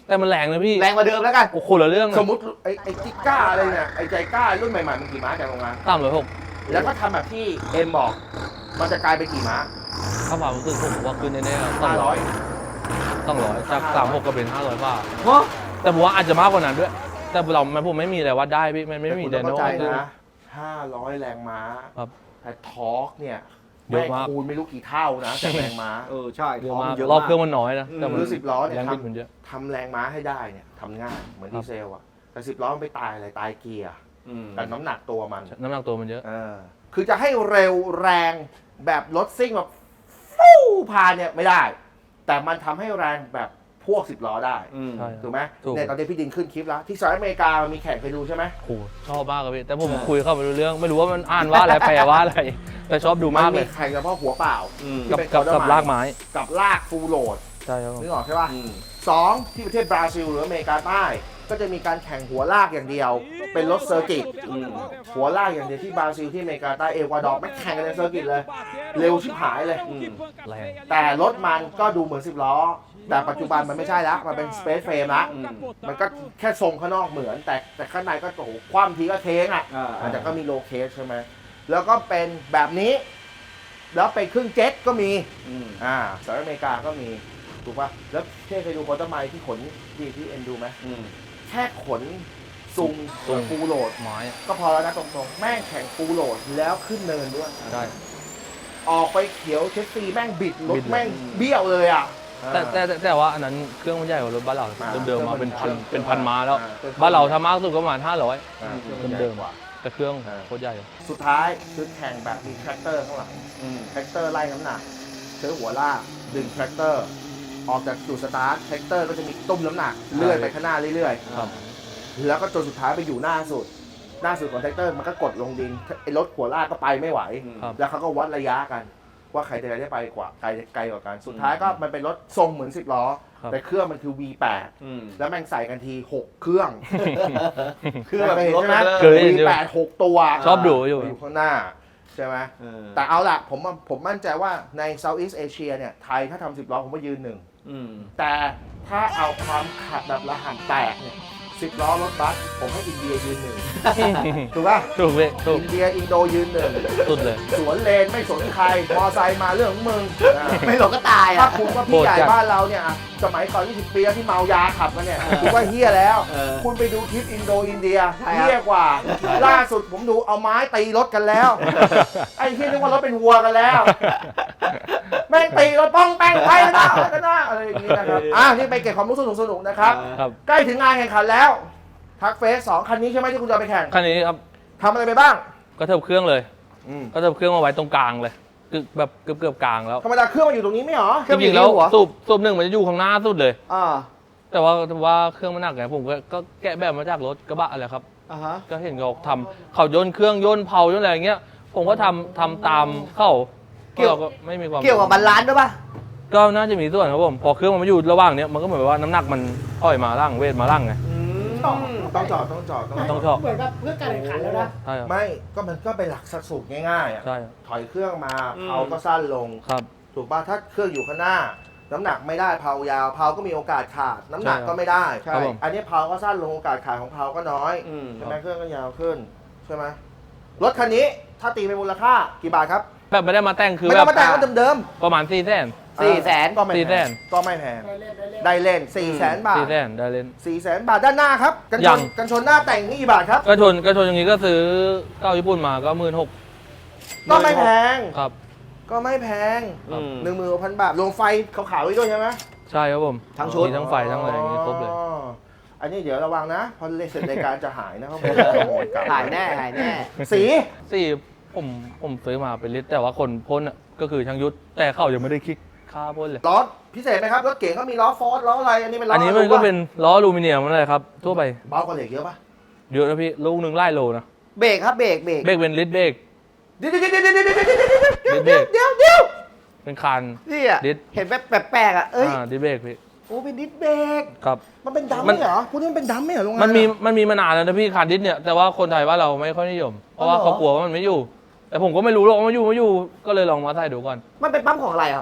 [SPEAKER 1] แต่มันแรงเลยพี่
[SPEAKER 3] แรงกว่าเดิมแล้วกัน
[SPEAKER 1] โอ้โหคนละเรื่อง
[SPEAKER 2] สมมติไอ้ไอ้จิก้าอะไรเนี่ยไอ้ใจก้ารุ่นใหม่ๆมันกี่ม้าจากโรงงาน
[SPEAKER 1] ตามเลยหก
[SPEAKER 2] แล้วก็ทำแบบที่เอ็มบอก มันจะกลายเป็นกี่ม้า
[SPEAKER 1] ถ้าความรู้สึกผมว่าขึ้นแน่ๆต้อง
[SPEAKER 2] ห้า
[SPEAKER 1] ร้
[SPEAKER 2] ร้
[SPEAKER 1] อ
[SPEAKER 2] อย ย
[SPEAKER 1] ต้องร้อยจากสามหกก็เป็นห้าร้อยบาท
[SPEAKER 3] เพราะ
[SPEAKER 1] แต่ผมว่าอาจจะมากกว่านั้นด้วย แต่เรามันผมไม่มีอะไรวัดได้พี่มันไม่มี
[SPEAKER 2] แต่
[SPEAKER 1] ได
[SPEAKER 2] คุณ
[SPEAKER 1] โน่
[SPEAKER 2] ต้องเข้าใจนะห้าร้อยแรงม้า
[SPEAKER 1] ครับ
[SPEAKER 2] แต่ทอร์กเนี่ย
[SPEAKER 1] เยอะ
[SPEAKER 2] แม่ง
[SPEAKER 1] มาก
[SPEAKER 2] คูณไม่รู้กี่เท่านะจากแรงม้า
[SPEAKER 3] เออใช่
[SPEAKER 1] เยอะ
[SPEAKER 3] ท้อง
[SPEAKER 1] มาก
[SPEAKER 3] เยอะ
[SPEAKER 1] รอบ
[SPEAKER 3] มาก
[SPEAKER 1] เครื่องมันน้อยนะแต่มัน
[SPEAKER 2] หรือสิบล้อเนี่ย
[SPEAKER 1] แรง
[SPEAKER 2] ท
[SPEAKER 1] บิดมันเยอะ
[SPEAKER 2] ำทำแรงม้าให้ได้เนี่ยทำง่ายเหมือน
[SPEAKER 1] ครั
[SPEAKER 2] ดี
[SPEAKER 1] บ
[SPEAKER 2] เซลอะแต่สิบล้อมันไปตายอะไรตายเกียร์
[SPEAKER 3] อืม
[SPEAKER 2] แต่น้ำหนักตัวมัน
[SPEAKER 1] น้ำหนักตัวมันเยอะ
[SPEAKER 2] เออคือจะให้เร็วแรงแบบรถซิ่งแบบฟู่พาเนี่ยไม่ได้ แต่มันทำให้แรงแบบพวกสิบล้อได้
[SPEAKER 3] อืม
[SPEAKER 1] ใช่
[SPEAKER 2] ถูกไหม
[SPEAKER 1] ถูก
[SPEAKER 2] เนี่ยตอนนี้พี่ดินขึ้นคลิปแล้ว ที่สหรัฐอเมริกามันมีแข่งไปดูใช่ไหม
[SPEAKER 1] โอ้โหชอบมากเลยพี่แต่ผมคุยเข้าไปรู้เรื่อง ไม่รู้ว่ามันอ่านว่าอะไรแปลว่าอะไร แต่ชอบดูมากเล
[SPEAKER 2] มี
[SPEAKER 1] ย
[SPEAKER 2] แข่งเฉพาะหัวเปล่า
[SPEAKER 3] อืม
[SPEAKER 2] ที่
[SPEAKER 1] กับ
[SPEAKER 2] เป็น
[SPEAKER 1] กับ
[SPEAKER 2] quarter
[SPEAKER 1] กับ
[SPEAKER 2] mile
[SPEAKER 1] ลากไม้
[SPEAKER 2] กับลากฟูลโหลด
[SPEAKER 1] ใช่ครับผม
[SPEAKER 2] นึกออกใช่ป่ะ
[SPEAKER 3] อืม
[SPEAKER 2] สองที่ประเทศบราซิลหรืออเมริกาใต้ก็จะมีการแข่งหัวลากอย่างเดียว เป็นรถเซอร์กิต
[SPEAKER 3] อืม
[SPEAKER 2] หัวลากอย่างเดียวที่บราซิลที่อเมริกาใต้เอกวาดอร์ไม่แข่งกันในเซอร์กิตเลย เร็วชิบหายเลย
[SPEAKER 3] อืม
[SPEAKER 1] แรง
[SPEAKER 2] แต่รถมันก็ดูเหมือนสิบล้อ แต่ปัจจุบันมันไม่ใช่ละมันเป็นสเปซเฟรมละ
[SPEAKER 3] อืม
[SPEAKER 2] มันก็แค่ทรงข้างนอกเหมือน แต่แต่ข้างในก็โอ้โหคว่ำทีก็เท้งอ่ะ
[SPEAKER 3] อ่า
[SPEAKER 2] อาจจะก็มีโลเคสใช่ไหมแล้วก็เป็นแบบนี้ แล้วเป็นเครื่องเจ็ตก็มี
[SPEAKER 3] อืม
[SPEAKER 2] อ่าสหรัฐอเมริกาก็มีถูกป่ะแล้วเท่เคยดูคอร์ตไมล์ที่ขนที่ที่เอ็นดูไหม
[SPEAKER 3] อืม
[SPEAKER 2] แค่ขนซุงฟูลโหลด
[SPEAKER 1] ไม้
[SPEAKER 2] ก็พอแล้วนะตรงๆแม่งแข่งฟูลโหลดแล้วขึ้นเนินด้วย
[SPEAKER 1] ได้
[SPEAKER 2] ออกไปเขียวเชสซีแม่งบิดร
[SPEAKER 1] บิ
[SPEAKER 2] ถ
[SPEAKER 1] ดเลย
[SPEAKER 2] แม่งเบี้ยวเลยอ่ะ
[SPEAKER 1] แต่แต่แต่แต่ว่าอันนั้นเครื่องมันใหญ่กว่ารถบ้านเรา
[SPEAKER 2] มา
[SPEAKER 1] เดิมๆมาเป็นพัน
[SPEAKER 2] เครื่อง
[SPEAKER 1] เป็นพันม้าแล้ว
[SPEAKER 2] อ่าเป็นพัน
[SPEAKER 1] บ้านเราถ้ามากสุดก็ประมาณห้าร้อย
[SPEAKER 2] อ่า
[SPEAKER 1] เดิมๆแต่เครื่อง
[SPEAKER 2] อ่า
[SPEAKER 1] โคตรใหญ่
[SPEAKER 2] สุดท้ายคือแข่งแบบมีแทรกเตอร์ข้างหลัง
[SPEAKER 3] อืม
[SPEAKER 2] แทรกเตอร์ไล่น้ำหนักใช้หัวลากดึงแทรกเตอร์ ออกจากจุดสตาร์ทแทรกเตอร์ก็จะมีตุ้มน้ำหนักเลื่อยไปข้างหน้าเรื่อย
[SPEAKER 1] ครับ
[SPEAKER 2] ๆ แล้วก็จนสุดท้ายไปอยู่หน้าสุด หน้าสุดของแทรกเตอร์มันก็กดลงดินไอ้รถหัวลากก็ไปไม่ไหว
[SPEAKER 1] ครับ
[SPEAKER 2] แล้วเขาก็วัดระยะกัน ว่าใครจะได้ไปกว่าไกลไกลกว่ากัน สุดท้ายก็มันเป็นรถทรงเหมือนสิบล้อ
[SPEAKER 1] ครับ
[SPEAKER 2] แต่เครื่องมันคือ วี แปด
[SPEAKER 3] อืม
[SPEAKER 2] แล้วแม่งใส่กันทีหกเครื่อง
[SPEAKER 3] เครื่องแบบ
[SPEAKER 2] เคยเห็น
[SPEAKER 3] รถ
[SPEAKER 2] ใช่ไหม
[SPEAKER 1] เคยเห็นอยู่
[SPEAKER 2] วี แปด หกตัว
[SPEAKER 1] ชอบดูอยู่
[SPEAKER 2] อยู่ข้างหน้าใช่ไหม
[SPEAKER 3] เออ
[SPEAKER 2] แต่เอาล่ะผมว่าผมมั่นใจว่าใน Southeast Asia เนี่ยไทยถ้าทำสิบล้อผมว่ายืนหนึ่ง
[SPEAKER 3] อืม
[SPEAKER 2] แต่ถ้าเอาความขัดแบบระห่ำแตกเนี่ยสิบล้อรถบัสผมให้อินเดียยืนหนึ่งถูกป่ะ
[SPEAKER 1] ถูกเลยถูก
[SPEAKER 2] อินเดียอินโดยืนหนึ่ง
[SPEAKER 1] สุดเลย
[SPEAKER 2] สวนเลนไม่สนใครมอไซค์มาเรื่องของมึงอ่า
[SPEAKER 3] ไม่หลงก็ตาย
[SPEAKER 2] ถ้า
[SPEAKER 3] อ่ะ
[SPEAKER 2] คุณว่าพี่ใหญ่
[SPEAKER 1] โหดจัด
[SPEAKER 2] บ้านเราเนี่ยอ่ะสมัยก่อนยี่สิบปีแล้วที่เมายาขับมาเนี่ยผมว่าเฮี้ยแล้ว
[SPEAKER 3] เออ
[SPEAKER 2] คุณไปดูคลิปอินโดอินเดีย
[SPEAKER 3] ใช่ครับ
[SPEAKER 2] เฮี้ยกว่า ล่าสุดผมดูเอาไม้ตีรถกันแล้ว ไอ้เฮี้ยนึกว่ารถเป็นวัวกันแล้ว แม่งตีรถป้องแป้งไปนะกันนะอะไรอย่างนี้นะครับ อ่ะนี่ไปเก็บความรู้สนุกสนุกๆนะครับ
[SPEAKER 1] ครับ
[SPEAKER 2] ใกล้ถึงงานแข่งขันแล้ว ทักเฟสสองคันนี้ใช่ไหมที่คุณจะเอาไปแข่ง
[SPEAKER 1] คันนี้ครับ
[SPEAKER 2] ทำอะไรไปบ้าง
[SPEAKER 1] ก็เทิบเครื่องเลย
[SPEAKER 2] อืม
[SPEAKER 1] ก็เทิบเครื่องมาไว้ตรงกลางเลยคือแบบเกือบเกือบๆกลางแล้ว
[SPEAKER 2] ธรรมดาเครื่องมันอยู่ตรงนี้ไม่เหรอ
[SPEAKER 3] เครื่
[SPEAKER 1] จ
[SPEAKER 3] องมันอยู่
[SPEAKER 1] ริงๆแล้ว
[SPEAKER 3] ที่หัว
[SPEAKER 1] สูบสูบหนึ่งมันจะอยู่ข้างหน้าสุดเลย
[SPEAKER 3] อ่า
[SPEAKER 1] แต่ว่าว่าเครื่องมันหนักไงผมก็ก็แกะแบบมาจากรถกระบะอะไรครับ
[SPEAKER 3] อ่าฮะ
[SPEAKER 1] ก็เห็นเขาทำเขาย่นเครื่องย่นเผาย่นอะไรอย่างเงี้ย ผมก็ทำทำตามเข้า
[SPEAKER 3] เกี่ยว
[SPEAKER 1] เราก็ไม่มีความ
[SPEAKER 3] เกี่ยวกับบาลานซ์ด้วยป่ะ
[SPEAKER 1] ก็น่าจะมีส่วนครับผมพอเครื่องมันมาอยู่ระหว่างเนี้ยมันก็เหมือนว่าน้ำหนักมันอ่อยมาล่างเวทมาล่างไง
[SPEAKER 2] ต้องจอดต้องจอดต้องจ
[SPEAKER 1] ต้
[SPEAKER 2] อ
[SPEAKER 1] อง
[SPEAKER 2] ด
[SPEAKER 1] ชอบ
[SPEAKER 4] เหมือนกับเพื่อการแข่งขันแล้วนะ
[SPEAKER 1] ใช่ครับ
[SPEAKER 2] ไม่ก็มันก็เป็นหลักสัดสูตรง่ายๆอ่ะ
[SPEAKER 1] ใช่ครับ
[SPEAKER 2] ถอยเครื่องมา
[SPEAKER 3] อืม
[SPEAKER 2] เผาก็สั้นลง
[SPEAKER 1] ครับ
[SPEAKER 2] ถูกป่ะถ้าเครื่องอยู่ข้างหน้า น้ำหนักไม่ได้เผายาวเผาก็มีโอกาสขาด น้ำหนัก
[SPEAKER 1] ใช่ครับ
[SPEAKER 2] ก็ไม่ได้
[SPEAKER 1] ครับผม
[SPEAKER 2] อันนี้เผาก็สั้นลงโอกาสขาดของเผาก็น้อย
[SPEAKER 3] อืม
[SPEAKER 2] ใช่ไหมเครื่องก็ยาวขึ้นใช่ไหมรถคันนี้ถ้าตีเป็นมูลค่ากี่บาทครับ
[SPEAKER 1] แบบไม่ได้มาแต่งคือ
[SPEAKER 2] ไม่
[SPEAKER 1] แบ
[SPEAKER 2] ต้อบ งมาแต่งก็เดิม
[SPEAKER 1] ประมาณสี่แสน
[SPEAKER 2] ๆ
[SPEAKER 3] สี่แสน
[SPEAKER 2] ก็ไม่
[SPEAKER 1] สี่
[SPEAKER 2] แพ
[SPEAKER 1] แส
[SPEAKER 2] ง
[SPEAKER 1] น
[SPEAKER 2] ก็ไม่แพง
[SPEAKER 4] ได้เล่นได้เล่น
[SPEAKER 2] ได้เล่นสี่แสนบาท
[SPEAKER 1] สี่แสนได้เล่น
[SPEAKER 2] สี่แสนบาทด้านหน้าครับกันช
[SPEAKER 1] ยั
[SPEAKER 2] น
[SPEAKER 1] ง
[SPEAKER 2] กันชนหน้าแต่งนี่กี่บาทครับ
[SPEAKER 1] ก็ชนก็ชนอย่างงี้ก็ซื้อเก้าญี่ปุ่นมาก็หมื่นหก
[SPEAKER 2] ก็ไม่แพง
[SPEAKER 1] ครับ
[SPEAKER 2] ก็ไม่แพง
[SPEAKER 3] อืม
[SPEAKER 2] หนึ่งหมื่นพันบาทรวมไฟขาวๆไว้ด้วยใช่ไหม
[SPEAKER 1] ใช่ครับผม
[SPEAKER 3] ทั้งชุด
[SPEAKER 1] มีทั้งไฟทั้งอะไรอย่างงี้ครบเลย
[SPEAKER 2] อ๋ออันนี้เดี๋ยวระวังนะพอเล่นเสร็จรายการจะหายนะเขาบอกขโมยกลับ
[SPEAKER 3] หายแน่หายแน่
[SPEAKER 2] สี
[SPEAKER 1] สี่ผมผมซื้อมาเป็นลิตรแต่ว่าคนพ่นอ่ะก็คือช่างยุทธแต่เขายังไม่ได้คิดค่าพ่นเลย
[SPEAKER 2] ล้อพิเศษไหมครับรถเก๋งเขามีล้อฟอร์ดล้ออะไรอันนี้เป็นล้อ
[SPEAKER 1] อั
[SPEAKER 2] อั
[SPEAKER 1] นนี้มันก็เป็นล้ออลูมิเนียมนั่นแหละครับทั่วไป
[SPEAKER 2] เบากว่าเหล็กเยอะปะ
[SPEAKER 1] เยอะนะพี่ลูกหนึ่งไล่โลนะ
[SPEAKER 3] เบรกครับเบรกเบรก
[SPEAKER 1] เบรกเป็นลิตรเบรก
[SPEAKER 2] เดี๋ยวเดี๋ยวเดี๋ยวเดี๋ยวเดี๋ยวเดี๋ยวเดี๋ยวเดี๋ยวเดี๋ยว
[SPEAKER 1] เป็นคัน
[SPEAKER 3] นี่อ่ะ
[SPEAKER 1] ดิส
[SPEAKER 3] เห็นแบบแปลกๆอ่ะ เอ้ย
[SPEAKER 1] อ่าดิสเบรกพี่
[SPEAKER 3] โอ้เป็นดิสเบรก
[SPEAKER 1] ครับ
[SPEAKER 2] มันเป็นดำ
[SPEAKER 1] มั
[SPEAKER 2] ไม่
[SPEAKER 1] น
[SPEAKER 2] เหรอพวกนี้มันเป็นดำไม่เหรอโรงงาน
[SPEAKER 1] มันมีมันมีมานานแล้วนะพี่คันดิสเนี่ยแต่ว่าคนไทยว่าเราไม่ค่อยนิยม เพราะว่า
[SPEAKER 2] อ๋อเหรอ
[SPEAKER 1] เขากลัวว่ามันไม่อยู่ แต่ผมก็ไม่รู้หรอกว่ามันอยู่ไม่อยู่ก็เลยลองมาใส่ดูก่อน
[SPEAKER 3] มันเป็นปั๊มของอะไรครับ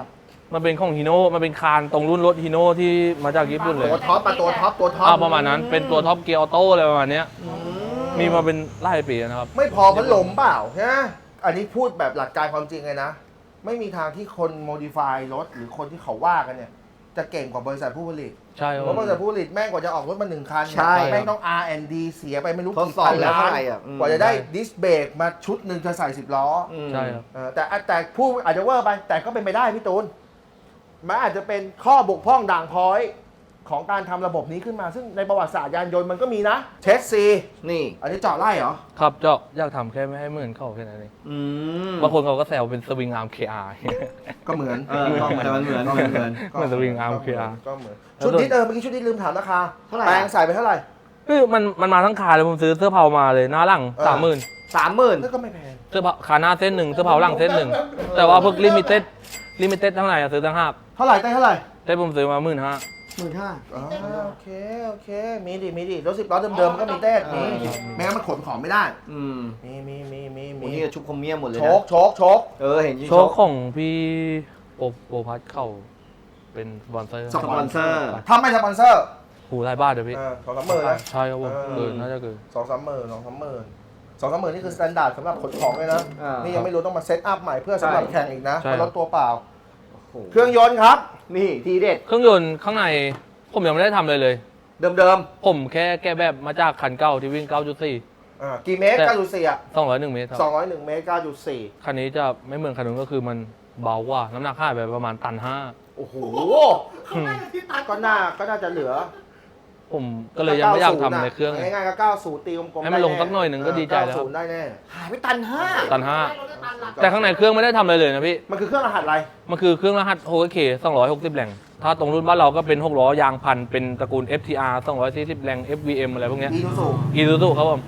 [SPEAKER 1] มันเป็นของฮีโน่มันเป็นคานตรงรุ่นรถฮีโน่ที่มาจากญี่ปุ่นเลย
[SPEAKER 2] ตัวท็อปมาตัวท็อปตัวท็อป
[SPEAKER 1] อ่าประมาณนั้นเป็นตัวท็อปเกียร์ออโต้อะไรประมาณเนี้ยมีมาเป็นหลายปีแล้วนะครับ
[SPEAKER 2] ไม่พอพัดลมเปล่าใช่ไหมอันนี้พูดแบบหลักการความจริงเลยนะ ไม่มีทางที่คนโมดิฟายรถหรือคนที่เขาว่ากันเนี่ย จะเก่งกว่าบริษัทผู้ผลิต
[SPEAKER 1] ใช่ค
[SPEAKER 2] เพ
[SPEAKER 1] รับ
[SPEAKER 2] ราะบริษัทผู้ผลิตแม่งกว่าจะออกรถมาหนึ่งคัน
[SPEAKER 3] ใช่
[SPEAKER 2] แม่งต้อง อาร์ แอนด์ ดี เสียไปไม่รู้
[SPEAKER 3] ทด
[SPEAKER 2] กี่
[SPEAKER 3] สอบ
[SPEAKER 2] พัน
[SPEAKER 3] แล้ว
[SPEAKER 2] ล้าน
[SPEAKER 3] อะไรอ่ะอืม
[SPEAKER 2] กว่าจะได้ดิสเบรกมาชุดหนึ่งจะใส่สิบล้อ
[SPEAKER 3] อืม
[SPEAKER 1] ใช่ครับ
[SPEAKER 2] เออแต่แต่ผู้อาจจะเวอร์ไป แต่ก็เป็นไปได้พี่ตูนมันอาจจะเป็นข้อบกพร่องด่างพร้อยของการทำระบบนี้ขึ้นมา ซึ่งในประวัติศาสตร์ยานยนต์มันก็มีนะเชสซี
[SPEAKER 3] นี่
[SPEAKER 2] อันนี้เจาะไล่เหรอ
[SPEAKER 1] ครับเจาะอยากทำแค่ไม่ให้เหมือนเขาแค่นั้นเอง
[SPEAKER 3] อืม
[SPEAKER 1] บางคนเขาก็แซวเป็นสวิงอาร์ม เค อาร์
[SPEAKER 2] ก็เหมือน
[SPEAKER 3] เออ
[SPEAKER 2] ก็
[SPEAKER 3] แต่มันเหมือน
[SPEAKER 2] ก็
[SPEAKER 3] เหมือนเหมือน
[SPEAKER 2] ก็
[SPEAKER 1] เหมือนสวิงอาร์ม
[SPEAKER 2] ก็เหมืน
[SPEAKER 1] เค อาร์
[SPEAKER 2] ก็เหมือนชุดนี้เออเมื่อกี้ชุดนี้ลืมถามราคา
[SPEAKER 3] เท่าไหร่
[SPEAKER 2] แปลงใส่ไปเท่าไหร่
[SPEAKER 1] คือมันมันมาทั้งคาเลยผมซื้อเสื้อเผามาเลยหน้าหลัง
[SPEAKER 2] เออ
[SPEAKER 1] สามหมื่น
[SPEAKER 3] สามหมื่น
[SPEAKER 2] นั่นก็ไม่แพง
[SPEAKER 1] เสื้อเผาขาหน้าเส้นหนึ่งเสื้อเผาหลังเส้นหนึ่งแต่ว่าพวกลิมิเต็ดลิมิเต็ดทั้งไหนอะซื้อทั้งห้า
[SPEAKER 2] เท่าไหร่ได้เท่าไหร่
[SPEAKER 1] แต่ผมซื้อมาหมื่นห้า
[SPEAKER 3] หมื่นห้า
[SPEAKER 2] อ๋อโอเคโอเคมีดิมีดิรถสิบล้อเดิมๆมันก็มีเต้นมี
[SPEAKER 3] เออ
[SPEAKER 2] ไม่งั้นมันขนของไม่ได้
[SPEAKER 3] อืม
[SPEAKER 2] มีมีมีมี
[SPEAKER 3] โห
[SPEAKER 2] มี
[SPEAKER 3] นี่ก็ชุบคอมเมียมหมดเลย
[SPEAKER 2] โช
[SPEAKER 3] นะ
[SPEAKER 2] กโชกโชก
[SPEAKER 3] เออเห็น
[SPEAKER 1] โชคของพี่โปโปพัทเข้าเป็นสปอนเซอร์
[SPEAKER 3] สปอนเซอร์
[SPEAKER 2] ถ้าไม่สปอนเซอร์
[SPEAKER 1] หูรายบ้านเดี๋ยวพี่
[SPEAKER 2] เออสองสามหมื่นนะ
[SPEAKER 1] ใช่ครับผม
[SPEAKER 2] เออ
[SPEAKER 1] เออน่าจะเกิน
[SPEAKER 2] สองสามหมื่นสองสามหมื่นสองสามหมื่นนี่คือสแตนดาร์ดสำหรับขนของเลยนะ
[SPEAKER 3] อ่านี่
[SPEAKER 2] นี่ยังไม่รู้ต้องมาเซตอัพใหม่เพื่อสำหรับ
[SPEAKER 3] ใช่
[SPEAKER 2] แข่งอีกนะ
[SPEAKER 1] ใช่
[SPEAKER 2] เพราะรถตัวเปล่า
[SPEAKER 3] โอ้โห
[SPEAKER 2] เครื่องยนต์ครับ
[SPEAKER 3] นี่ทีเด็ด
[SPEAKER 1] เครื่องยนต์ข้างในผมยังไม่ได้ทำเลยเลย
[SPEAKER 3] เดิมเดิม
[SPEAKER 1] ผมแค่แก้แบบมาจากคันเก่าที่วิ่ง เก้าจุดสี่
[SPEAKER 2] อ่ากี่เมตร
[SPEAKER 1] แต่
[SPEAKER 2] เก้าจุดสี่อ่ะ
[SPEAKER 1] สองร้อยหนึ่งเมตรครับ
[SPEAKER 2] สองร้อยหนึ่งเมตรเก้าจุดสี่
[SPEAKER 1] คันนี้จะไม่เหมือนคันนู้นก็คือมันเบากว่าน้ำหนักห้าไปประมาณตันห้า
[SPEAKER 2] โอ้โหก็น่าก็น่าจะเหลือ
[SPEAKER 1] ผมก็เลยยังไม่อยากทำในเครื่อง
[SPEAKER 2] ง่ายๆก็เก้าสิบตีกลมๆ
[SPEAKER 1] ให้มันลงสักหน่อยหนึ่งก็ดีใจแล้ว
[SPEAKER 2] เก้าสิบได้แน่
[SPEAKER 3] ๆหายไปตันห้า
[SPEAKER 1] ตันห้าแต่ข้างในเครื่องไม่ได้ทำอะไรเลยนะพี่
[SPEAKER 2] มันคือเครื่องรหัสอะไร
[SPEAKER 1] มันคือเครื่องรหัสโฮเคสองร้อยหกสิบแรงถ้าตรงรุ่นบ้านเราก็เป็นหกล้อยางพันเป็นตระกูล เอฟ ที อาร์ สองร้อยสี่สิบแรง เอฟ วี เอ็ม อะไรพวกเนี้ย
[SPEAKER 2] อีทูสู
[SPEAKER 1] อีซูซูครับผม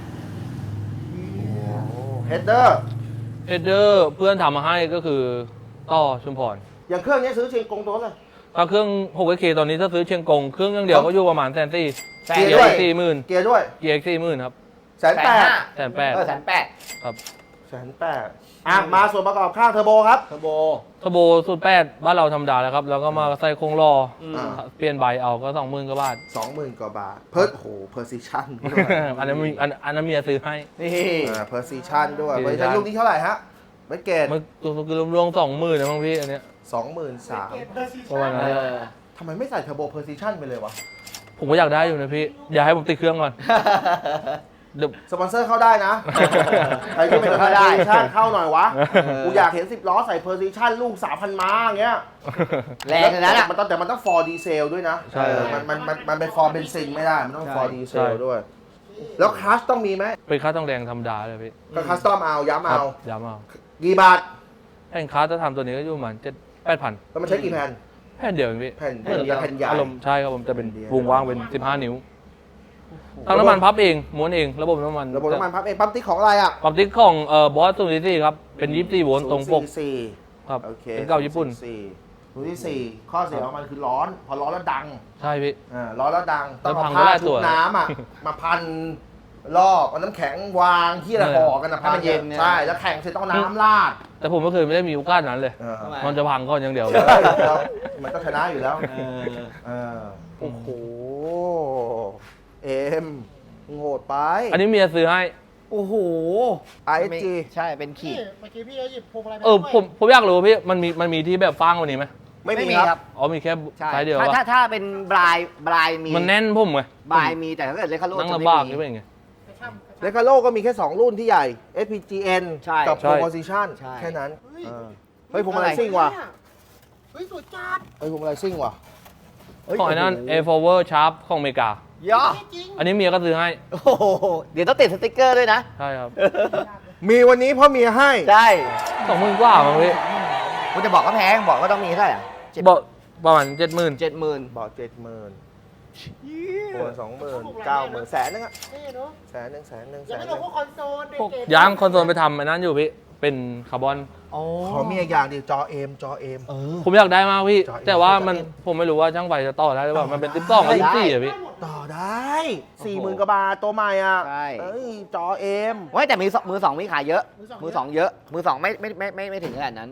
[SPEAKER 2] เฮดเดอร์
[SPEAKER 1] เฮดเดอร์เพื่อนทำมาให้ก็คือต่อชุมพร
[SPEAKER 2] อย่างเครื่องนี้ซื้อเชียงกงตัวเลย
[SPEAKER 1] ถ้าเครื่อง หกเค ตอนนี้ถ้าซื้อเชียงกง เครื่องอย่างเดียวก็อยู่ประมาณแสนสี่
[SPEAKER 3] แสน
[SPEAKER 1] เกีย
[SPEAKER 2] ด้วย
[SPEAKER 1] ร์สี่หมื่น
[SPEAKER 2] เกียร์ด้วย
[SPEAKER 1] เกียร์สี่หมื่นครับ
[SPEAKER 2] แสนแปด
[SPEAKER 1] แสนแปด
[SPEAKER 3] เออแสนแปด
[SPEAKER 1] ครับ
[SPEAKER 2] แสนแปดอ่ะมาส่วนประกอบข้างเทอร์โบครับ
[SPEAKER 3] เทอร์โบ
[SPEAKER 1] ทโบสูตรแปดบ้านเราธรรมดาแล้วครับ แล้วก็มาใส่โครงล้อ
[SPEAKER 3] อืม
[SPEAKER 2] อ่า
[SPEAKER 1] เปลี่ยนใบเอาก็สองหมื่นกว่าบาท
[SPEAKER 2] สองหมื่นกว่าบาท เพิร์โอ้โหเพอร์ซิชันด้วย
[SPEAKER 1] อันนั้นมีอันอันนั้นเมียซื้อให้
[SPEAKER 3] นี่
[SPEAKER 2] อ่าเพอร์ซิชันด้วย
[SPEAKER 1] Precision
[SPEAKER 2] บริษัทลูกนี้เท่าไหร่ฮะไม่เกต
[SPEAKER 1] มันคือรวมๆสองหมื่นนะบางพี่อันเนี้ย
[SPEAKER 2] สองหมื่นสาม
[SPEAKER 1] ประมาณ
[SPEAKER 3] เอ
[SPEAKER 1] นั้น
[SPEAKER 3] อ
[SPEAKER 2] ทำไมไม่ใส่เทอร์โบเพอร์ซิชันไปเลยวะ
[SPEAKER 1] ผมก็อยากได้อยู่นะพี่ อยากให้ผมติดเครื่องก่อนเดี๋ยว
[SPEAKER 2] สปอนเซอร์เข้าได้นะ ใครที่เป็นเพอร์ซิชันเข้าหน่อยวะ
[SPEAKER 3] เออ
[SPEAKER 2] กูอยากเห็นสิบล้อใส่เพอร์ซิชันลูกสามพันม้าอย่างเงี้ย
[SPEAKER 3] แรงขนาดนั้นอ่ะ
[SPEAKER 2] มันต้องแต่มันต้องฟอร์ดีเซลด้วยนะ
[SPEAKER 1] ใช่
[SPEAKER 2] เออมันมันมันมันเป็นฟอร์เบนซินไม่ได้ มันต้อง
[SPEAKER 3] ใช่
[SPEAKER 2] ฟอร์ดีเซ
[SPEAKER 1] ใช่
[SPEAKER 2] ลด้วย แล้วคลัสต้องมีไหม
[SPEAKER 1] เป็นค่าต้องแรงธรรมดาเลยพี่
[SPEAKER 2] ก็คัสตอมเอาย้ำ
[SPEAKER 1] ครั
[SPEAKER 2] เอา
[SPEAKER 1] ย้ำเอา
[SPEAKER 2] กี่บาท
[SPEAKER 1] แผ่นคาร์จะทำตัวนี้ก็อยู่ประมาณเจ็ดแปดพัน
[SPEAKER 2] แล้วมันใช้กี่แผ่น
[SPEAKER 1] แผ่นเดียวเองพี่
[SPEAKER 2] แผ่นแผ่นเดียวแผ่นใหญ่
[SPEAKER 1] อารมณ์ใช่ครับผมจะเป็น
[SPEAKER 2] แผ่นเดียว
[SPEAKER 1] วงว่างเป็นสิบห้านิ้วทำน้ำมันพับเองม้วนเองระบบน้ำมัน
[SPEAKER 2] ระบบน้ำมันพับเองปั๊มติ๊กของอะไรอ่ะ
[SPEAKER 1] ปั๊มติ๊กของเอ่อบอสศูนย์สี่ครับเป็นยี่สิบสี่โวลต์ตรงปก
[SPEAKER 2] ศูนย์สี่
[SPEAKER 1] ครับ
[SPEAKER 2] โอเค
[SPEAKER 1] เป็นเก่าญี่ปุ่น
[SPEAKER 2] ศูย์สี่ศูนย์ที่สี่ข้อเสียของมันคือร้อน พอร้อนแล้วดัง
[SPEAKER 1] ใช่พี่
[SPEAKER 2] อ่าร้อนแล้วดัง ต้อง
[SPEAKER 1] แล้วพั
[SPEAKER 2] เอา
[SPEAKER 1] ง
[SPEAKER 2] ผ้า
[SPEAKER 1] ก็ได้
[SPEAKER 2] ชุ
[SPEAKER 1] ตั
[SPEAKER 2] บ
[SPEAKER 1] ว
[SPEAKER 2] น้ำอ่ะ มาพันรอบเอาน้ำแข็งวางที่ละ
[SPEAKER 1] เออ
[SPEAKER 2] ห่อกันนะ
[SPEAKER 3] ให้มันเย็นเนี่ย
[SPEAKER 2] ใช่ แล้วแข่งเสร็จต้องเอาน้ำราด
[SPEAKER 1] แต่ผมไม่เคยไม่ได้มีโอกาสนั้นเลย
[SPEAKER 2] เออ
[SPEAKER 3] ทำไม
[SPEAKER 1] มันจะพังก่อนอย่างเดียวเลย
[SPEAKER 2] ใช่แล้วมันก็ชนะอยู่แล้ว
[SPEAKER 3] เออ
[SPEAKER 2] เออโอ้โห เอ็มโหดไป
[SPEAKER 1] อันนี้เมียซื้อให้
[SPEAKER 3] โอ้โห
[SPEAKER 2] ไอเอสจี
[SPEAKER 3] ใช่เป็นขีด
[SPEAKER 4] เมื่อกี้พี่เขาหยิบพวงมาลัยไป
[SPEAKER 1] เออ
[SPEAKER 4] ด้วย
[SPEAKER 1] ผมผมอยากรู้พี่มันมีมันมีที่แบบฟางกว่านี้ไหม
[SPEAKER 2] ไม่
[SPEAKER 3] ไม่
[SPEAKER 2] มี
[SPEAKER 3] มี
[SPEAKER 2] ค
[SPEAKER 3] ครั
[SPEAKER 2] รับ
[SPEAKER 3] บ
[SPEAKER 1] อ๋อมีแค่
[SPEAKER 3] ใช่
[SPEAKER 1] สายเดียว
[SPEAKER 3] ถ้า
[SPEAKER 1] อะ
[SPEAKER 3] ถ้าถ้าเป็นบลายบลายมี
[SPEAKER 1] มันแน่นผมไง
[SPEAKER 3] บลายมีแต่ถ้าเกิดเลคาโร
[SPEAKER 1] นั่ง
[SPEAKER 3] จะไม่
[SPEAKER 1] ลำบาก
[SPEAKER 3] มี
[SPEAKER 1] นี่เป็นไง
[SPEAKER 4] กระชับกระชับ
[SPEAKER 2] เลคาโลก็มีแค่ สอง รุ่นที่ใหญ่ เอส พี จี เอ็น
[SPEAKER 3] ใช่
[SPEAKER 2] กับ
[SPEAKER 1] ใช่
[SPEAKER 2] Proposition
[SPEAKER 3] ใช่
[SPEAKER 2] แค่นั้น
[SPEAKER 4] เฮ้ย
[SPEAKER 2] เออเฮ้ยผมอะไรซิ่งว่ะ
[SPEAKER 4] เฮ้ยสุดจัด
[SPEAKER 2] เฮ้ยผมอะไรซิ่งว่ะ
[SPEAKER 3] เฮ้ย
[SPEAKER 1] ของไอ้นั่น
[SPEAKER 3] โโห
[SPEAKER 1] Air Forward Sharp ของอเมริกา
[SPEAKER 3] ย่อ
[SPEAKER 4] จริง
[SPEAKER 1] อันนี้เมียก็ซื้อให้
[SPEAKER 3] โอ้โหเดี๋ยวต้องติดสติ๊กเกอร์ด้วยนะ
[SPEAKER 1] ใช่ครับ
[SPEAKER 2] มีวันนี้เพราะเมียให้
[SPEAKER 3] ใช่
[SPEAKER 1] สองหมื่นกว่ามั้งพี่
[SPEAKER 3] คุณจะบอกก็แพงบอกก็ต้องมีเท่าไหร่อะเจ็ด
[SPEAKER 1] บอกประมาณเจ็ดหมื่น
[SPEAKER 3] เจ็ดหมื่น
[SPEAKER 2] บอกเจ็ดหมื่นโอนสองหมื่นเก้าหมื่นแสนนึงอะ
[SPEAKER 4] นี่เนาะ
[SPEAKER 2] แสนหนึ่งแสนหนึ่งแส
[SPEAKER 4] ยัง
[SPEAKER 2] น
[SPEAKER 4] ไม่
[SPEAKER 2] ห
[SPEAKER 4] ล
[SPEAKER 2] นึ่
[SPEAKER 4] ง
[SPEAKER 2] ง
[SPEAKER 4] พวกคอนโซลเด็กเกม
[SPEAKER 1] ยางคอนโซลไปทำไอ้นั้นอยู่พี่ เป็นคาร์บอน
[SPEAKER 3] โอ้
[SPEAKER 2] ขอมีอีกอย่างดิจอเอมจอเอม
[SPEAKER 3] เออ
[SPEAKER 1] ผมอยากได้มากพี่
[SPEAKER 2] จอ
[SPEAKER 1] แต่ว่ามัน
[SPEAKER 2] จอเอ็ม
[SPEAKER 1] ผมไม่รู้ว่าช่างไฟจะต่อได้หรือเปล่า มันเป็นสิบสองกับ
[SPEAKER 3] ได้
[SPEAKER 1] ยี่สิบสี่อะพี่
[SPEAKER 2] ต่อได้สี่หมื่นกว่าบาทตัวใหม่อ่ะ
[SPEAKER 3] ใช่
[SPEAKER 2] เอ้ยจอเอม
[SPEAKER 3] เว้ยแต่มือสองมือสองมีขายเยอะ มือสองเยอะ มือสองไม่ไม่ไม่ไม่ไม่ถึงขนาดนั้น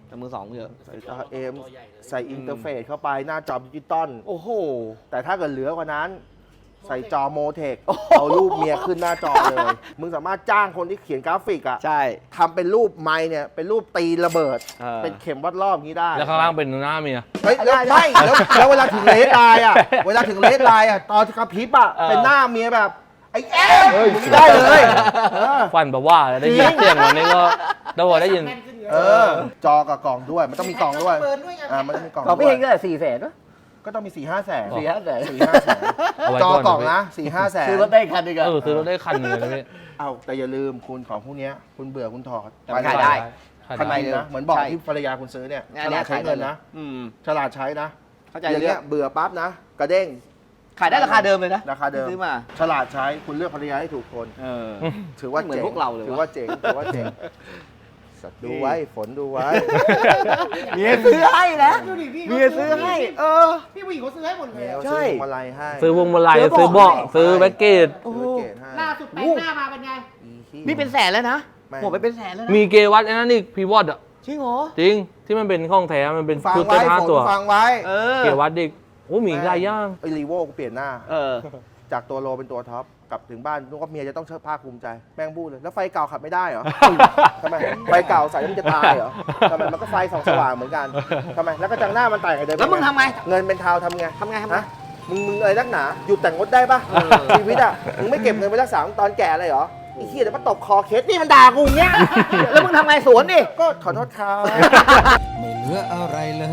[SPEAKER 3] แต่มือสองเยอะ
[SPEAKER 2] ใส่จอเอ็มใส่อินเทอร์เฟซเข้าไปหน้าจอดิจิตอล
[SPEAKER 3] โอ้โห
[SPEAKER 2] แต่ถ้าเกิดเหลือกว่านั้น ใส่จอโมเทคเอารูปเมียขึ้นหน้าจอเลย มึงสามารถจ้างคนที่เขียนกราฟิกอะ
[SPEAKER 3] ใช่
[SPEAKER 2] ทำเป็นรูปไม้เนี่ยเป็นรูปตีระเบิด
[SPEAKER 3] เออ
[SPEAKER 2] เป็นเข็มวัดรอบอย่างนี้ได้
[SPEAKER 1] แล้วข้างล่างเป็นหน้าเมีย
[SPEAKER 2] เฮ้ยแล้วไม่แล้วแล้วเวลาถึงเลสไลน์อะเวลาถึงเลสไลน์อะตอนกระพริบอะเป็นหน้าเมียแบบไอ้แอ๊ะได้เลยเออ
[SPEAKER 1] ฟันแบบว่าได้ยินเสียงวันนี้ก็ได้พอได้ยิน
[SPEAKER 4] แม่นขึ้นเยอะ
[SPEAKER 2] เออ จอกับกล่องด้วย มันต้องมีกล่องด้วย
[SPEAKER 4] เปิดด้วยไง
[SPEAKER 2] อ่ามันต้องมีกล่อง
[SPEAKER 3] ของ
[SPEAKER 2] ด้
[SPEAKER 3] พี่
[SPEAKER 2] ว
[SPEAKER 3] เฮ
[SPEAKER 2] ย
[SPEAKER 3] งก็แต่สี่แสนวะ
[SPEAKER 2] ก็ต้องมีสี่ห้าแสน
[SPEAKER 3] สี่ห้าแสน
[SPEAKER 2] สี่ห้าแสน
[SPEAKER 1] เอาไว้
[SPEAKER 2] จอ
[SPEAKER 1] ก่อน
[SPEAKER 2] กล่องนะสี่ห้าแสน
[SPEAKER 3] ซื้อรถได้คันหนึงอะ
[SPEAKER 1] เออซื้อรถได้คันหนึงเลยนะพี่
[SPEAKER 2] เอาแต่อย่าลืมคุณของพวกเนี้ยคุณเบื่อคุณถอด
[SPEAKER 3] แต่มันขายได้
[SPEAKER 1] ขาย
[SPEAKER 2] คัน
[SPEAKER 1] ได้
[SPEAKER 2] นี้นะเหมือนบอก
[SPEAKER 3] ใช่
[SPEAKER 2] ที่ภรรยาคุณซื้อเนี่ย
[SPEAKER 3] เนี่ย
[SPEAKER 2] ฉลาดใช้เงินนะ
[SPEAKER 3] อืม
[SPEAKER 2] ฉลาดใช้นะ
[SPEAKER 3] เข้าใจ
[SPEAKER 2] อย่าง
[SPEAKER 3] เรื่
[SPEAKER 2] เงี้
[SPEAKER 3] อย ง
[SPEAKER 2] เบื่อปั๊บนะ กระเด้ง
[SPEAKER 3] ขายได้ราคาเดิมเลยนะ
[SPEAKER 2] ราคาเดิม
[SPEAKER 3] ซื้อมา
[SPEAKER 2] ฉลาดใช้คุณเลือกภรรยาให้ถูกคน
[SPEAKER 3] เออ
[SPEAKER 2] ถือว่า
[SPEAKER 3] เหมือน
[SPEAKER 2] เจ๋ง
[SPEAKER 3] พวกเราเลยวะ
[SPEAKER 2] ถือว่าเจ๋งถือว่าเจ๋งสัตว์ดูไว้ฝนดูไว้
[SPEAKER 3] เมียซื้อให้นะ
[SPEAKER 4] ดูดิพี่
[SPEAKER 3] เมียซื้อให้ เออ
[SPEAKER 4] พี่ผู้หญิงเขาซื้อให้หมดเลย
[SPEAKER 2] เมีย
[SPEAKER 4] อะ
[SPEAKER 2] เอา
[SPEAKER 3] ใช่
[SPEAKER 2] ซื้อพวงมาลัยให้
[SPEAKER 1] ซื้อพวงมาลัย
[SPEAKER 3] ซื้
[SPEAKER 1] ซื้
[SPEAKER 3] อ
[SPEAKER 1] อ
[SPEAKER 3] เบาะ
[SPEAKER 1] เบาะซื้อแบ็กเกจ
[SPEAKER 3] โอ้โห
[SPEAKER 2] ซื้อเกรดให้
[SPEAKER 4] ล่าสุดแปลงหน้ามาเป็นไง
[SPEAKER 2] อีขี้
[SPEAKER 3] นี่เป็นแสนแล้วนะ
[SPEAKER 2] ไม่
[SPEAKER 3] หมดไปเป็นแสนแล้วนะ
[SPEAKER 1] มีเกวัตไอ้นั่นอีกพีวอตอ่ะ
[SPEAKER 3] จริงเหรอ
[SPEAKER 1] จริงที่มันเป็นข้องแท้มันเป็น
[SPEAKER 2] ฟัง
[SPEAKER 1] ชุด
[SPEAKER 2] ไว้
[SPEAKER 1] เต้นห้า
[SPEAKER 2] ฝน
[SPEAKER 1] ตัว
[SPEAKER 2] ฟังไว้
[SPEAKER 3] เออ
[SPEAKER 1] เกวัตอีกโอ้มีอีกหลายอย่าง
[SPEAKER 2] ไอ้รีโวกูเปลี่ยนหน้า
[SPEAKER 3] เออ
[SPEAKER 2] จากตัวโลเป็นตัวท็อปกลับถึงบ้านนึกว่าเมียจะต้องเชิดภาคภูมิใจแม่งบู้เลยแล้วไฟเก่าขับไม่ได้เหรอ ทำไมไฟเก่าใส่แล้วมันจะตายเหรอทำไมมันก็ไฟส่องสว่างเหมือนกันทำไมแล้วก็จังหน้ามันแต่งกับเดิม
[SPEAKER 3] แล้วมึงทำไง
[SPEAKER 2] เงินเป็นเทาทำไง
[SPEAKER 3] ทำไงทำไง
[SPEAKER 2] ฮะมึงมึงอะไรนักหนาหยุดแต่งงดได้ปะ
[SPEAKER 3] เออ
[SPEAKER 2] ชีวิตอ่ะมึงไม่เก็บเงินไว้รักษาตอนแก่เลยเหรอไอ้เหี้ยเดี๋ยวมาตบคอเคสนี่มันด่ากูอย่างเงี้ย
[SPEAKER 3] แล้วมึงทำไงสวนดิ
[SPEAKER 2] ก็ขอโทษครับ
[SPEAKER 5] ไม่เหลืออะไรเลย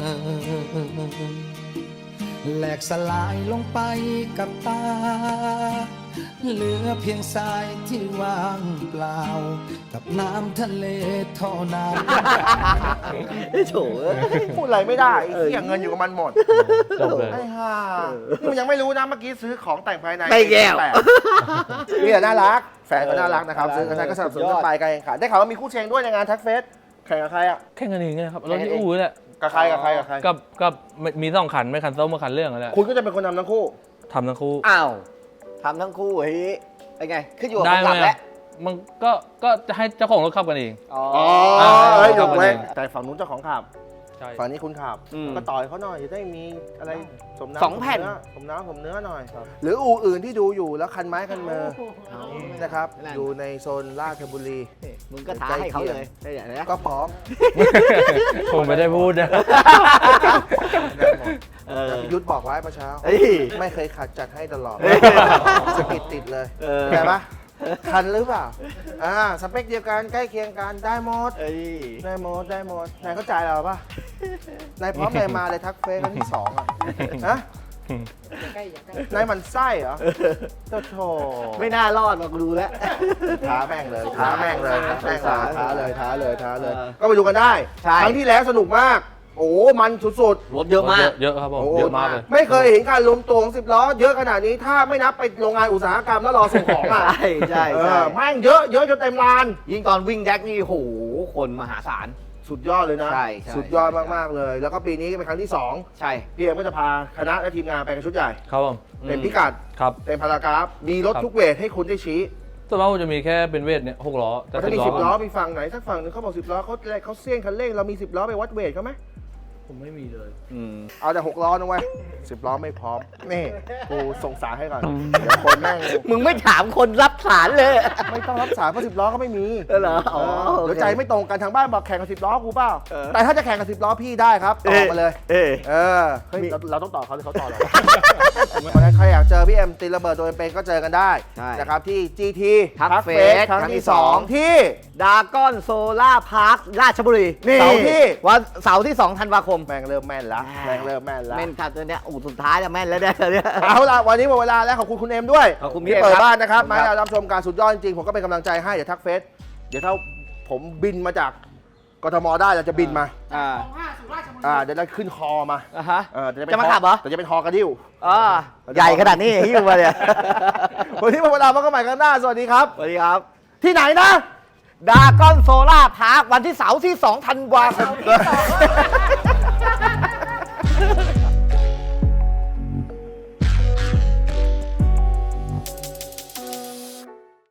[SPEAKER 5] แหลกสลายลงไปกับตา เหลือเพียงทรายที่ว่างเปล่า กับน้ำทะเลเท่านั้น
[SPEAKER 3] โถ่เอ้ย
[SPEAKER 2] พูดอะไรไม่ได้ไอ้เหี้ยเงินอยู่กับมันหมด
[SPEAKER 1] จบเลย
[SPEAKER 2] ไอ้ห่านี่มันยังไม่รู้นะเมื่อกี้ซื้อของแต่งภายใน
[SPEAKER 3] ไม่แก้ว
[SPEAKER 2] ปดนี่แหละน่ารัก แฟนก็น่ารักนะครับ
[SPEAKER 3] เออ
[SPEAKER 2] ซื้อกันใช้ก็สนับสนุน
[SPEAKER 3] สุดย
[SPEAKER 2] กั
[SPEAKER 3] อด
[SPEAKER 2] นไปการแข่งขันได้ข่าวว่ามีคู่เชงด้วยในงานทักเฟสแข่งกับใครอ่ะ
[SPEAKER 1] แข่งกันเองไงครับรถที่อู่นี่แหละ
[SPEAKER 2] กับใครกับใครกับใคร
[SPEAKER 1] กับกับมีสองคันไม่คันส้มมาคันเรื่องนั่นแหละ
[SPEAKER 2] คุณก็จะเป็นคนนำทั้งคู่
[SPEAKER 1] ทำทั้งคู่
[SPEAKER 3] อ้าวทำทั้งคู่เฮ้ยเป็นไง ขึ้นอยู่กับ
[SPEAKER 1] ได้
[SPEAKER 3] คน
[SPEAKER 1] ไหม
[SPEAKER 3] ขับแล้ว
[SPEAKER 1] มันก็ก็จะให้เจ้าของรถขับกันเอง
[SPEAKER 3] อ๋อ
[SPEAKER 2] อ๋อ
[SPEAKER 1] อ่า
[SPEAKER 2] เอ้ยย
[SPEAKER 1] ขั
[SPEAKER 2] ก
[SPEAKER 1] บกัน
[SPEAKER 2] เว้
[SPEAKER 1] เอน ง
[SPEAKER 2] แต่ฝั่งนู้นเจ้าของขับ
[SPEAKER 1] ใช่
[SPEAKER 2] ฝั่งนี้คุณขับ
[SPEAKER 3] อืม
[SPEAKER 2] ก็ต่อยเขาหน่อยจะได้มีอะไรสมน้ำ
[SPEAKER 3] สองแผ่น
[SPEAKER 2] สมเนื้อสมน้ำสมเนื้อหน่อย หรืออู่อื่นที่ดูอยู่แล้วคันไม้คันมือ
[SPEAKER 4] เอา
[SPEAKER 2] นะครับ
[SPEAKER 3] นั่น
[SPEAKER 2] อยู่ในโซนราชบุรี
[SPEAKER 3] มึงก็ท้าให้เขาเลยได้อย่างนี้
[SPEAKER 2] ก็พร้อม
[SPEAKER 1] ผมไม่ได้พูดนะ
[SPEAKER 2] ได้หมด
[SPEAKER 3] เออ
[SPEAKER 2] พี่ยุทธบอกไว้เมื่อเช้า
[SPEAKER 3] เฮ้ย
[SPEAKER 2] ไม่เคยขัดจัดให้ตลอด
[SPEAKER 3] เฮ้ย
[SPEAKER 2] สะกิดติดเลย
[SPEAKER 3] เออ
[SPEAKER 2] เข้าใจปะคันหรือเปล่า อ่า สเปคเดียวกันใกล้เคียงกันได้หมด
[SPEAKER 3] เอ้ย
[SPEAKER 2] ได้หมด ได้หมด นายเข้าใจเราปะนายพร้อมนายมาเลยทักเฟซครั้งที่สองอ่ะฮะ
[SPEAKER 4] ใกล้อย่าใกล้
[SPEAKER 2] นายหมันไส้เหรอโธ่โถ
[SPEAKER 3] ไม่น่ารอดมากูดูแล้ว
[SPEAKER 2] ท้าแม่งเลยท้าแม่งเลยท้าแม่งเลยท้าเลยท้าเลยท้าเลย
[SPEAKER 3] เออ
[SPEAKER 2] ก็ไปดูกันได้
[SPEAKER 3] ใช่
[SPEAKER 2] ครั้งที่แล้วสนุกมาก โอ้มันสุดๆ
[SPEAKER 3] รถเยอะมาก
[SPEAKER 1] เยอะครับผม
[SPEAKER 2] โอ้
[SPEAKER 1] เยอะมากเลย
[SPEAKER 2] ไม่เคยเห็นการรวมตัวของสิบล้อเยอะขนาดนี้ถ้าไม่นับไปโรงงานอุตสาหกรรมแล้วรอส่งของอ่ะ
[SPEAKER 3] ใช่ใช่
[SPEAKER 2] เอ
[SPEAKER 3] ใช่
[SPEAKER 2] อแม่งเยอะเยอะจนเต็มลาน
[SPEAKER 3] ยิ่งตอนวิ่งแจ็คนี่โหคนมหาศาล
[SPEAKER 2] สุดยอดเลยนะ
[SPEAKER 3] ใช่ใช่
[SPEAKER 2] สุดยอดมาก ๆ เลย แล้วก็ปีนี้เป็นครั้งที่ สอง
[SPEAKER 3] ใช่
[SPEAKER 2] พี่เอ็มก็จะพาคณะและทีมงานไปกันชุดใหญ่
[SPEAKER 1] ครับผม
[SPEAKER 2] เต็มพิกัด
[SPEAKER 1] ครับ
[SPEAKER 2] เต็มพารากราฟมีรถ
[SPEAKER 1] ครับ
[SPEAKER 2] ทุกเวทให้คุณได้ชี้
[SPEAKER 1] ส่วนมากผมจะมีแค่เป็นเวทเนี่ยหกล้อแต่
[SPEAKER 2] แต่ถ้า
[SPEAKER 1] สิบ
[SPEAKER 2] มี
[SPEAKER 1] ล้อ
[SPEAKER 2] สิบล้อมีฝั่งไหนสักฝั่งหนึงเขาบอกสิบล้อเขาเขาเสี่ยงคันเร่งเรามีสิบล้อไปวัดเวทเขาไหม
[SPEAKER 1] ผมไม่มีเลย
[SPEAKER 3] อืม
[SPEAKER 2] เอาแต่หกล้อนะเว้ยสิบล้อไม่พร้อมนี่กูส่งสารให้ก่อนเดี๋ยวคนแม่ง
[SPEAKER 3] มึงไม่ถามคนรับสารเลย
[SPEAKER 2] ไม่ต้องรับสารเพราะสิบล้อก็ไม่มี
[SPEAKER 3] เออเหรออ๋อ
[SPEAKER 2] เออ
[SPEAKER 3] โอเค
[SPEAKER 2] เดี๋ยวใจไม่ตรงกันทางบ้านบอกแข่งกับสิบล้อกูเปล่า
[SPEAKER 3] เออ
[SPEAKER 2] แต่ถ้าจะแข่งกับสิบล้อพี่ได้ครับต่อมาเลย
[SPEAKER 3] เอ๊ะ
[SPEAKER 2] เออเฮ้ยเราเราต้องต่อเขาหรือเขาต่อเราเพราะฉะนั้นใครอยากเจอพี่เอ็มตีระเบิดตัวเป็นๆก็เจอกันได้
[SPEAKER 3] ใช่
[SPEAKER 2] นะครับที่ จี ที
[SPEAKER 3] ทัก
[SPEAKER 2] ทัก
[SPEAKER 3] เฟ
[SPEAKER 2] เฟ
[SPEAKER 3] ส
[SPEAKER 2] สครั้ง
[SPEAKER 3] ครั้งที่
[SPEAKER 2] ที่
[SPEAKER 3] สอง
[SPEAKER 2] สองที่
[SPEAKER 3] ดาก้อนโซล่าพาร์คราชบุรี
[SPEAKER 2] นี่
[SPEAKER 3] เสาร์ที่วันเสาร์ที่สองธันวาคม
[SPEAKER 2] แม่งเริ่มแม่นละแม่งเริ่มแม่นละ
[SPEAKER 3] แม่นขัดตัวเนี้ยอูสุดท้ายจะแม่นแล้วเนี่ยเนี่ย
[SPEAKER 2] เอาล่ะวันนี้หมดเวลาแล้วขอบคุณคุณเอ็มด้วย
[SPEAKER 3] ขอบคุณพี่
[SPEAKER 2] ที่
[SPEAKER 3] เอ็ม
[SPEAKER 2] เปิด
[SPEAKER 3] ครับ
[SPEAKER 2] บ้านนะครับ
[SPEAKER 3] ขอบคุณ
[SPEAKER 2] มา
[SPEAKER 3] ครับ
[SPEAKER 2] ให้เรารับชมการสุดยอดจริงๆผมก็เป็นกำลังใจให้เดี๋ยวทักเฟสเดี๋ยวถ้าผมบินมาจากกทมได้เราจะบินมา
[SPEAKER 3] อ่า
[SPEAKER 4] สองห้าสุราชบุรี
[SPEAKER 2] อ่าเดี๋ยวเราขึ้นคอมา
[SPEAKER 3] อ่าฮะ
[SPEAKER 2] เออแต่เป็น
[SPEAKER 3] จะมาขับเหรอ
[SPEAKER 2] แต่จะเป็นคอกระดิ้ว
[SPEAKER 3] อ่าใหญ่ขนาดนี้หิ้วมาเนี่ย
[SPEAKER 2] วันนี้หมดเวลาพบกันใหม่ครั้งหน้าสวัสดีครับ
[SPEAKER 3] สวัสดีครับ
[SPEAKER 2] ที่ไหนนะ
[SPEAKER 3] ดาก้อนโซล่าพาร์ควันที่เสาร์ที่สองธันวาคม